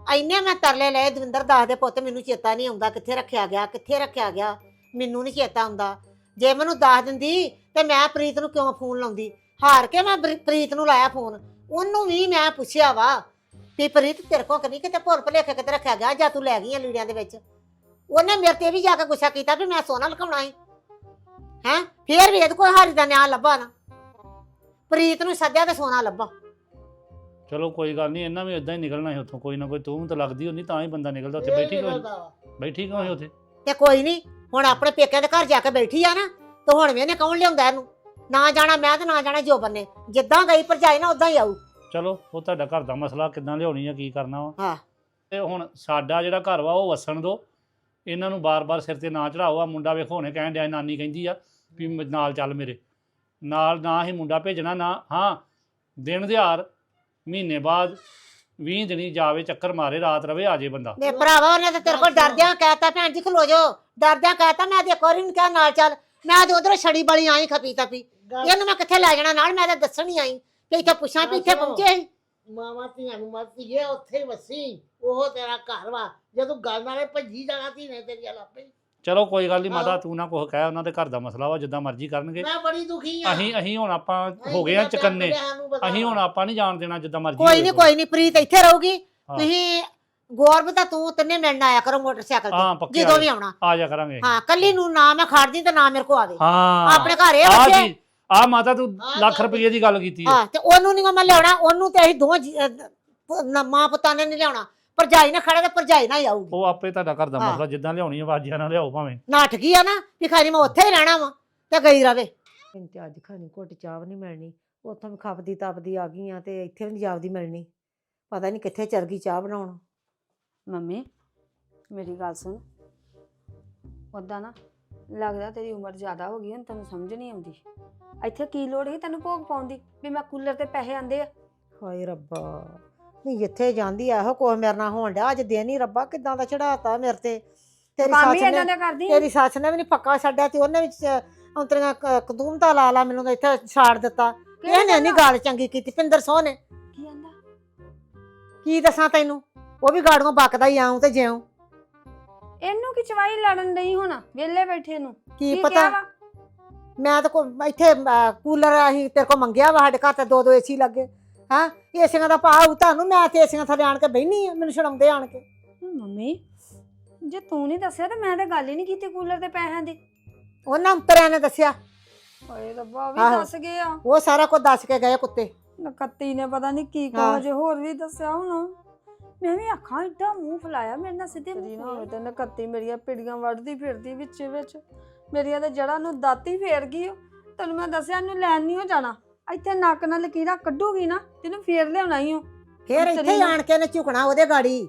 Speaker 1: ਐਨੇ ਮੈਂ ਤਰਲੇ ਲਏ ਦਵਿੰਦਰ ਦੱਸ ਦੇ ਪੁੱਤ ਮੈਨੂੰ ਚੇਤਾ ਨਹੀਂ ਆਉਂਦਾ ਕਿੱਥੇ ਰੱਖਿਆ ਗਿਆ ਕਿੱਥੇ ਰੱਖਿਆ ਗਿਆ ਮੈਨੂੰ ਨਹੀਂ ਚੇਤਾ ਆਉਂਦਾ ਜੇ ਮੈਨੂੰ ਦੱਸ ਦਿੰਦੀ ਤੇ ਮੈਂ ਪ੍ਰੀਤ ਨੂੰ ਕਿਉਂ ਫੋਨ ਲਾਉਂਦੀ ਹਾਰ ਕੇ ਮੈਂ ਪ੍ਰੀਤ ਨੂੰ ਲਾਇਆ ਫੋਨ ਉਹਨੂੰ ਵੀ ਮੈਂ ਪੁੱਛਿਆ ਵਾ ਵੀ ਪ੍ਰੀਤ ਤੇਰੇ ਕੋਲ ਕਦੀ ਕਿਤੇ ਭੁੱਲ ਭੁਲੇਖੇ ਕਿਤੇ ਰੱਖਿਆ ਗਿਆ ਜਾਂ ਤੂੰ ਲੈ ਗਈ ਆ ਲੀੜਿਆਂ ਦੇ ਵਿੱਚ ਉਹਨੇ ਮੇਰੇ ਤੇ ਵੀ ਜਾ ਕੇ ਗੁੱਸਾ ਕੀਤਾ ਵੀ ਮੈਂ ਸੋਨਾ ਲੁਕਾਉਣਾ ਸੀ ਹੈਂ ਫੇਰ ਵੀ ਇਹਦੇ ਕੋਲ ਹਾਰੀ ਦਾ ਨਿਆਂ ਲੱਭਾ ਨਾ ਪ੍ਰੀਤ ਨੂੰ ਸੱਦਿਆ ਤੇ ਸੋਨਾ ਲੱਭਾ
Speaker 5: ਚਲੋ ਕੋਈ ਗੱਲ ਨਹੀਂ ਇਹਨਾਂ ਵੀ ਇਦਾਂ ਹੀ ਨਿਕਲਣਾ ਸੀ ਉੱਥੋਂ ਕੋਈ ਨਾ ਕੋਈ ਤੂੰ ਤਾਂ ਲੱਗਦੀ ਹੁੰਦੀ ਤਾਂ ਹੀ ਬੰਦਾ ਨਿਕਲਦਾ ਉੱਥੇ
Speaker 3: ਇਹ
Speaker 5: ਬੈਠੀ ਕਿਉਂ
Speaker 3: ਨਿਕਲਦਾ ਵਾ।
Speaker 5: ਬੈਠੀ ਕਿਉਂ ਸੀ ਉੱਥੇ
Speaker 1: ਤੇ ਕੋਈ ਨਹੀਂ ਹੁਣ ਆਪਣੇ ਪੇਕਿਆਂ ਦੇ ਘਰ ਜਾ ਕੇ ਬੈਠੀ ਆ ਨਾ ਤੇ ਹੁਣ ਵੀ ਇਹਨੇ ਕੌਣ ਲਿਆਉਂਦਾ ਇਹਨੂੰ ਨਾ ਜਾਣਾ ਮੈਂ ਤੇ ਨਾ ਜਾਣਾ ਜੋਬਨ ਨੇ ਜਿੱਦਾਂ ਗਈ ਭਰਜਾਈ ਨਾ ਉਦਾਂ ਹੀ ਆਊ
Speaker 5: ਚਲੋ ਉਹ ਤੁਹਾਡਾ ਘਰ ਦਾ ਮਸਲਾ ਕਿੱਦਾਂ ਲਿਆਉਣੀ ਆ ਕੀ ਕਰਨਾ ਵਾ
Speaker 1: ਹਾਂ।
Speaker 5: ਤੇ ਹੁਣ ਸਾਡਾ ਜਿਹੜਾ ਘਰ ਵਾ ਉਹ ਵਸਣ ਦੋ ਇਹਨਾਂ ਨੂੰ ਬਾਰ-ਬਾਰ ਸਿਰ ਤੇ ਨਾ ਚੜਾਓ ਆ ਮੁੰਡਾ ਵੇਖੋ ਹੁਣੇ ਕਹਿਣ ਡਿਆ ਨਾਨੀ ਕਹਿੰਦੀ ਆ ਵੀ ਨਾਲ ਚੱਲ ਮੇਰੇ ਨਾਲ ਨਾ ਹੀ ਮੁੰਡਾ ਭੇਜਣਾ ਨਾ ਹਾਂ ਦਿਨ ਦਿਹਾੜ ਮਹੀਨੇ ਬਾਅਦ 20 ਦਿਨੀ ਜਾਵੇ ਚੱਕਰ ਮਾਰੇ ਰਾਤ ਰਵੇ ਆ ਜੇ ਬੰਦਾ
Speaker 1: ਨੇ ਭਰਾਵਾ ਉਹਨੇ ਤਾਂ ਤੇਰੇ ਕੋਲ ਡਰਦਿਆਂ ਕਹਿਤਾ ਭੈਣ ਜੀ ਖਲੋ ਜਾਓ ਡਰਦਿਆਂ ਕਹਿਤਾ ਮੈਂ ਤੇ ਇੱਕ ਵਾਰੀ ਨੂੰ ਕਿਹਾ ਨਾਲ ਚੱਲ ਮੈਂ ਤੇ ਉਧਰੋਂ ਛੜੀ ਬਲੀ ਆਈ ਖਪੀ ਤਪੀ
Speaker 3: ਗੱਲ
Speaker 1: ਇਹਨੂੰ ਮੈਂ ਕਿੱਥੇ ਲੈ ਜਾਣਾ ਨਾਲ ਮੈਂ ਤਾਂ ਦੱਸਣ ਹੀ ਆਈ ਤੇ ਇੱਥੇ ਪੁੱਛਾਂ ਵੀ ਇੱਥੇ ਪਹੁੰਚੇ ਸੀ
Speaker 3: ਮਾਵਾਂ ਧੀਆਂ ਨੂੰ ਮਰਦੀ ਹੈ ਉੱਥੇ ਹੀ ਵਸੀ ਉਹ ਤੇਰਾ ਘਰ ਵਾ ਜਦੋਂ ਗੱਲ ਨਾਲੇ ਭੱਜੀ ਜਾਣਾ ਧੀ ਨੇ ਤੇਰੀ ਲਾਪੇ
Speaker 5: ਚਲੋ ਕੋਈ ਗੱਲ ਨਹੀਂ ਮਾਤਾ
Speaker 3: ਆਹੋ।
Speaker 5: ਤੂੰ ਨਾ ਕੁਛ ਕਹਿ ਉਹਨਾਂ ਦੇ ਘਰ ਦਾ ਮਸਲਾ ਵਾ ਜਿੱਦਾਂ ਮਰਜ਼ੀ ਕਰਨਗੇ
Speaker 3: ਮੈਂ ਬੜੀ ਦੁਖੀ ਆ
Speaker 5: ਅਸੀਂ ਹੁਣ ਆਪਾਂ ਹੋ ਗਏ ਆ ਚਕੰਨੇ ਅਸੀਂ ਹੁਣ ਆਪਾਂ ਨਹੀਂ ਜਾਣ ਦੇਣਾ ਜਿੱਦਾਂ ਮਰਜ਼ੀ
Speaker 1: ਕੋਈ ਨਹੀਂ
Speaker 5: ਹੋਵੇ।
Speaker 1: ਕੋਈ ਨਹੀਂ ਪ੍ਰੀਤ ਇੱਥੇ ਰਹੂਗੀ
Speaker 5: ਹਾਂ।
Speaker 1: ਤੁਸੀਂ ਗੌਰਵ ਤਾਂ ਤੂੰ ਤਿੰਨੇ ਮਿਲਣ ਆਇਆ ਕਰੋ ਮੋਟਰਸਾਈਕਲ
Speaker 5: ਹਾਂ
Speaker 1: ਤੇ
Speaker 5: ਪੱਕੇ
Speaker 1: ਜਦੋਂ ਵੀ ਆਉਣਾ
Speaker 5: ਆ ਜਾ ਕਰਾਂਗੇ
Speaker 1: ਹਾਂ ਕੱਲੀ ਨੂੰ ਨਾ ਮੈਂ ਖੜਦੀ ਤੇ ਨਾ ਮੇਰੇ ਕੋ ਆਵੇ
Speaker 5: ਹਾਂ
Speaker 1: ਆਪਣੇ ਘਰ ਇਹ
Speaker 5: ਆ
Speaker 1: ਬੱਚੇ
Speaker 5: ਜੀ ਆ ਮਾਤਾ ਤੂੰ
Speaker 3: ਹਾਂ,
Speaker 5: ਲੱਖ
Speaker 3: ਤਾਂ
Speaker 5: ਰੁਪਏ ਦੀ ਗੱਲ ਕੀਤੀ ਹੈ
Speaker 1: ਹਾਂ ਤੇ ਉਹਨੂੰ ਨਹੀਂ ਮੈਂ ਲਿਆਉਣਾ ਉਹਨੂੰ ਤੇ ਅਸੀਂ ਮਾਂ ਪੁੱਤਾਂ ਨੇ ਨਹੀਂ ਲਿਆਉਣਾ ਭਰਜਾਈ ਨਾ ਖੜਾ ਤੇ ਭਰਜਾਈ ਨਾ ਹੀ ਆਊਗੀ
Speaker 5: ਉਹ ਆਪੇ ਤੁਹਾਡਾ ਘਰ ਦਾ
Speaker 1: ਹਾਂ।
Speaker 5: ਮਸਲਾ ਜਿੱਦਾਂ ਲਿਆਉਣੀ ਆ ਵਾਜੀਆਂ ਨਾਲ ਲਿਆਓ ਭਾਵੇਂ
Speaker 1: ਨਾਟਕ ਹੀ ਆ ਨਾ ਵੀ ਖਾਲੀ ਮੈਂ ਉੱਥੇ ਹੀ ਰਹਿਣਾ ਵਾ ਤੇ ਗਈ ਰਵੇ ਤੇ ਅੱਜ ਖਾਣੀ ਘੁੱਟ ਚਾਹ ਨਹੀਂ ਮਿਲਣੀ ਉੱਥੋਂ ਵੀ ਖਪਦੀ ਤਪਦੀ ਆ ਗਈ ਆ ਤੇ ਇੱਥੇ ਵੀ ਨਹੀਂ ਜਾਪਦੀ ਮਿਲਣੀ ਪਤਾ ਨਹੀਂ ਕਿੱਥੇ ਚਲ ਗਈ ਚਾਹ ਬਣਾਉਣ
Speaker 2: ਮੰਮੀ ਮੇਰੀ ਗੱਲ ਸੁਣ ਉਦਾਂ ਨਾ ਲੱਗਦਾ ਤੇਰੀ ਉਮਰ ਜ਼ਿਆਦਾ ਹੋ ਗਈ ਹੁਣ ਤੈਨੂੰ ਸਮਝ ਨਹੀਂ ਆਉਂਦੀ ਇੱਥੇ ਕੀ ਲੋੜ ਸੀ ਤੈਨੂੰ ਭੋਗ ਪਾਉਣ ਦੀ ਵੀ ਮੈਂ ਕੂਲਰ ਤੇ ਪੈਸੇ ਆਂਦੇ ਆ
Speaker 1: ਹਾਏ ਰੱਬਾ ਨਹੀਂ ਜਿੱਥੇ ਜਾਂਦੀ ਆ ਇਹੋ ਕੋਈ ਮੇਰੇ ਨਾਲ ਹੋਣ ਡਿਆ ਅੱਜ ਦਿਨ ਹੀ ਰੱਬਾ ਕਿਦਾਂ ਦਾ ਚੜਾਤਾ ਮੇਰੇ ਤੇ ਤੇਰੀ
Speaker 2: ਕੰਮ ਹੀ
Speaker 1: ਸੱਸ
Speaker 2: ਇਹਨਾਂ
Speaker 1: ਨੇ
Speaker 2: ਦਾ ਕਰਦੀ
Speaker 1: ਤੇਰੀ ਸੱਸ ਨੇ ਵੀ ਨਹੀਂ ਪੱਕਾ ਛੱਡਿਆ ਤੇ ਉਹਨੇ ਵੀ ਔਂਤਰੀਆਂ ਕਦੂਮਤਾ ਲਾ ਲਾ ਮੈਨੂੰ ਤਾਂ ਇੱਥੇ ਛਾੜ ਦਿੱਤਾ ਇਹਨੇ ਨਹੀਂ ਗੱਲ ਚੰਗੀ ਕੀਤੀ ਪਿੰਦਰ ਸੋਹ ਨੇ
Speaker 2: ਕੀ ਆਂਦਾ
Speaker 1: ਕੀ ਦੱਸਾਂ ਤੈਨੂੰ ਉਹ ਵੀ ਗਾੜੀਆਂ ਬਕਦਾ ਹੀ ਆਉਂ ਤੇ ਜਿਉਂ
Speaker 2: ਇਹਨੂੰ ਕੀ ਚਵਾਈ ਲੜਨ ਨਹੀਂ ਹੁਣ ਵਿਹਲੇ ਬੈਠੇ ਨੂੰ
Speaker 1: ਕੀ
Speaker 2: ਕਿਹਾ
Speaker 1: ਪਤਾ
Speaker 2: ਵਾ?
Speaker 1: ਮੈਂ ਤਾਂ ਇੱਥੇ ਕੂਲਰ ਅਸੀਂ ਤੇਰੇ ਕੋ ਮੰਗਿਆ ਵਾ ਸਾਡੇ ਘਰ ਤੇ ਦੋ ਏਸੀ ਲੱਗੇ ਹਾਂ ਏਸੀਆਂ ਦਾ ਭਾਅ ਤੁਹਾਨੂੰ ਮੈਂ ਤੇ ਏਸੀਆਂ ਥੱਲੇ ਆਣ ਕੇ ਬਹਿਨੀ ਆ ਮੈਨੂੰ ਛਡਾਉਂਦੇ ਆਣ ਕੇ
Speaker 2: ਮੰਮੀ ਜੇ ਤੂੰ ਨਹੀਂ ਦੱਸਿਆ ਤਾਂ ਮੈਂ ਤਾਂ ਗੱਲ ਹੀ ਨਹੀਂ ਕੀਤੀ ਕੂਲਰ ਦੇ ਪੈਸਿਆਂ ਦੀ
Speaker 1: ਉਹਨਾਂ ਅੰਤਰਿਆਂ ਨੇ ਦੱਸਿਆ
Speaker 2: ਓਏ ਰੱਬਾ ਵੀ
Speaker 1: ਆਹੋ।
Speaker 2: ਦੱਸ ਗਏ ਆ
Speaker 1: ਉਹ ਸਾਰਾ ਕੁਝ ਦੱਸ ਕੇ ਗਏ ਕੁੱਤੇ
Speaker 2: ਨਕੱਤੀ ਨੇ ਪਤਾ ਨਹੀਂ ਕੀ
Speaker 1: ਹਾਂ।
Speaker 2: ਕਹੋ ਜੇ ਹੋਰ ਵੀ ਦੱਸਿਆ ਹੁਣ ਮੈਂ ਵੀ ਅੱਖਾਂ ਏਡਾ ਮੂੰਹ ਫਲਾਇਆ ਮੇਰੇ ਨਾਲ ਸਿੱਧੇ ਮੂੰਹ ਨਾ ਹੋਵੇ ਤੇ ਨਕੱਤੀ ਮੇਰੀਆਂ ਪਿੜੀਆਂ ਵੱਢਦੀ ਫਿਰਦੀ ਵਿੱਚ ਮੇਰੀਆਂ ਤੇ ਜੜਾਂ ਨੂੰ ਦਾਤੀ ਫੇਰ ਗਈ ਓ। ਤੈਨੂੰ ਮੈਂ ਦੱਸਿਆ ਇਹਨੂੰ ਲੈਣ ਨਹੀਂ ਹੋ ਜਾਣਾ ਇੱਥੇ ਨੱਕ ਨਾਲ ਲਕੀਰਾਂ ਕੱਢੂਗੀ ਨਾ ਤੈਨੂੰ ਫੇਰ ਲਿਆਉਣਾ ਹੀ ਓ
Speaker 1: ਫੇਰ ਇੱਥੇ ਹੀ ਆਣ ਕੇ ਨੇ ਝੁਕਣਾ ਉਹਦੇ ਗਾੜੀ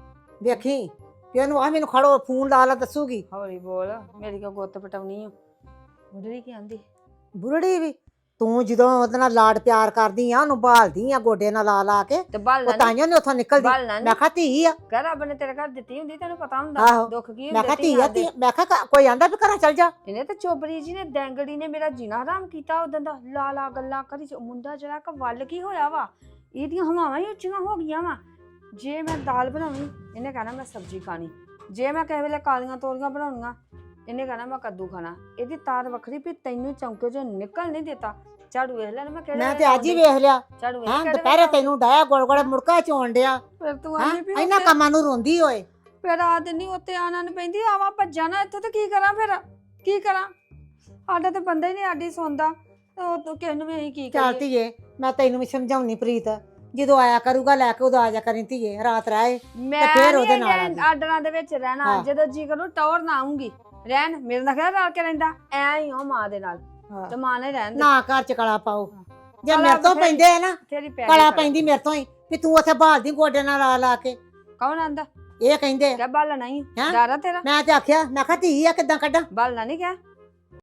Speaker 1: ਵੇਖੀ ਵੀ ਉਹਨੂੰ ਆ ਮੈਨੂੰ ਖੜੋ ਫੋਨ ਲਾ ਲਾ ਦੱਸੂਗੀ
Speaker 2: ਹੌਲੀ ਬੋਲ ਮੇਰੀ ਕੋ ਗੁੱਤ ਪਟਾਉਣੀ ਓ ਬੁੱਢੀ ਕੀ ਆਂਦੀ
Speaker 1: ਬੁਰੜੀ ਵੀ ਤੂੰ ਜਦੋਂ ਉਹਦੇ ਨਾਲ ਲਾਡ ਪਿਆਰ ਕਰਦੀ ਆ ਉਹਨੂੰ ਭਾਲਦੀ ਆ ਗੋਡੇ ਨਾਲ ਲਾ ਲਾ ਕੇ
Speaker 2: ਤੇ
Speaker 1: ਉਹ
Speaker 2: ਬਾਲਣਾ
Speaker 1: ਤਾਈਆਂ ਨੇ ਉੱਥੋਂ ਨਿਕਲਦੀ
Speaker 2: ਬਾਲਣਾ
Speaker 1: ਮੈਂ ਕਿਹਾ ਧੀ ਆ
Speaker 2: ਘਰ ਰੱਬ ਨੇ ਤੇਰੇ ਘਰ ਦਿੱਤੀ ਹੁੰਦੀ ਤੈਨੂੰ ਪਤਾ
Speaker 1: ਆਹੋ।
Speaker 2: ਹੁੰਦਾ ਦੁੱਖ ਕੀ
Speaker 1: ਮੈਂ
Speaker 2: ਹੁੰਦੇ
Speaker 1: ਕਿਹਾ ਧੀ ਆ ਧੀ ਮੈਂ ਕਿਹਾ ਕੋਈ ਆਂਦਾ ਵੀ ਘਰਾਂ ਚੱਲ ਜਾ
Speaker 2: ਇਹਨੇ ਤੇ ਚੋਬਰੀ ਜੀ ਨੇ ਡੈਂਗੜੀ ਨੇ ਮੇਰਾ ਜੀਣਾ ਹਰਾਮ ਕੀਤਾ ਉਦੋਂ ਦਾ ਲਾ ਗੱਲਾਂ ਕਰੀ ਮੁੰਡਾ ਜਿਹੜਾ ਕਿ ਵੱਲ ਕੀ ਹੋਇਆ ਵਾ ਇਹਦੀਆਂ ਹਵਾਵਾਂ ਹੀ ਉੱਚੀਆਂ ਹੋ ਗਈਆਂ ਵਾ ਜੇ ਮੈਂ ਦਾਲ ਬਣਾਉਣੀ ਇਹਨੇ ਕਹਿਣਾ ਮੈਂ ਸਬਜ਼ੀ ਖਾਣੀ ਜੇ ਮੈਂ ਕਿਸੇ ਵੇਲੇ ਕਾਲੀਆਂ ਤੋਰੀਆਂ ਬਣਾਉਣੀਆਂ ਇਹਨੇ ਕਹਿਣਾ ਮੈਂ ਕੱਦੂ ਖਾਣਾ ਇਹਦੀ ਤਾਰ ਵੱਖਰੀ ਵੀ ਤੈਨੂੰ ਚੌਂਕੇ ਚੋਂ ਨਿਕਲ ਨਹੀਂ ਦਿੱਤਾ ਝਾੜੂ ਵੇਖ ਲੈ ਮੈਂ ਕਿਹੜੇ
Speaker 1: ਮੈਂ ਤੇ ਅੱਜ ਹੀ ਵੇਖ ਲਿਆ
Speaker 2: ਝਾੜੂ
Speaker 1: ਹਾਂ
Speaker 2: ਵੇਖ
Speaker 1: ਦੁਪਹਿਰੇ ਤੈਨੂੰ ਡਾਇਆ ਗੋਲ ਗੋਲ ਮੁੜਕਾ ਚੋਣ ਡਿਆ
Speaker 2: ਫਿਰ ਤੂੰ
Speaker 1: ਹਾਂ
Speaker 2: ਆਨੀ ਵੀ
Speaker 1: ਇਹਨਾਂ ਕੰਮਾਂ ਨੂੰ ਰੋਂਦੀ ਹੋਏ
Speaker 2: ਫਿਰ ਆ ਦਿਨੀ ਉੱਤੇ ਆਣਾ ਨੂੰ ਪੈਂਦੀ ਆਵਾ ਭੱਜਾ ਨਾ ਇੱਥੇ ਤੇ ਕੀ ਕਰਾਂ ਫਿਰ ਕੀ ਕਰਾਂ ਸਾਡਾ ਤੇ ਬੰਦਾ ਹੀ ਨਹੀਂ ਆਡੀ ਸੌਂਦਾ ਉਹ ਤੋਂ ਕਿਸ ਨੂੰ ਵੀ ਅਸੀਂ ਕੀ
Speaker 1: ਚੱਲ
Speaker 2: ਕਰੀਏ
Speaker 1: ਧੀਏ ਮੈਂ ਤੈਨੂੰ ਵੀ ਸਮਝਾਉਣੀ ਪ੍ਰੀਤ ਜਦੋਂ ਆਇਆ ਕਰੂਗਾ ਲੈ ਕੇ ਉਦੋਂ ਆ ਜਾ ਕਰੀ ਧੀਏ ਰਾਤ ਰਹਿ
Speaker 2: ਮੈਂ
Speaker 1: ਫਿਰ ਉਹਦੇ
Speaker 2: ਨਹੀਂ
Speaker 1: ਨਾਲ ਆ ਗਈ।
Speaker 2: ਆਰਡਰਾਂ ਦੇ ਵਿੱਚ ਰਹਿਣਾ
Speaker 1: ਹਾਂ।
Speaker 2: ਜਦੋਂ ਜੀ ਕਰੂ ਟੌਰ ਨਾ ਆਉਂਗੀ ਰਹਿਣ ਮੇਰੇ ਨਾਲ ਖਿਆ ਰਲ ਕੇ ਰਹਿੰਦਾ ਐ ਹੀ ਹੋ ਮਾਂ ਦੇ ਨਾਲ ਤੇ ਮਾਂ ਨੇ ਰਹਿਣ ਦੇ
Speaker 1: ਨਾ ਘਰ ਚ ਕਲਾ ਪਾਓ ਜੇ
Speaker 2: ਕਲਾ
Speaker 1: ਮੇਰੇ ਤੋਂ
Speaker 2: ਬਥੇਰੀ-
Speaker 1: ਪੈਂਦੇ ਆ ਨਾ
Speaker 2: ਤੇਰੀ ਪੈ
Speaker 1: ਕਲਾ ਪੈਂਦੀ ਮੇਰੇ ਤੋਂ ਹੀ ਵੀ ਤੂੰ ਉੱਥੇ ਭਾਲਦੀ ਗੋਡੇ ਨਾਲ ਲਾ ਲਾ ਕੇ
Speaker 2: ਕੌਣ ਆਂਦਾ
Speaker 1: ਇਹ ਕਹਿੰਦੇ
Speaker 2: ਕਿਆ ਬਾਲਣਾ ਨਹੀਂ
Speaker 1: ਹੈਂ?
Speaker 2: ਡਾਰਾ ਤੇਰਾ
Speaker 1: ਮੈਂ ਤੇ ਆਖਿਆ ਮੈਂ ਕਿਹਾ ਧੀ ਆ ਕਿੱਦਾਂ ਕੱਢਾਂ
Speaker 2: ਬਾਲਣਾ ਨਹੀਂ ਕਿਆ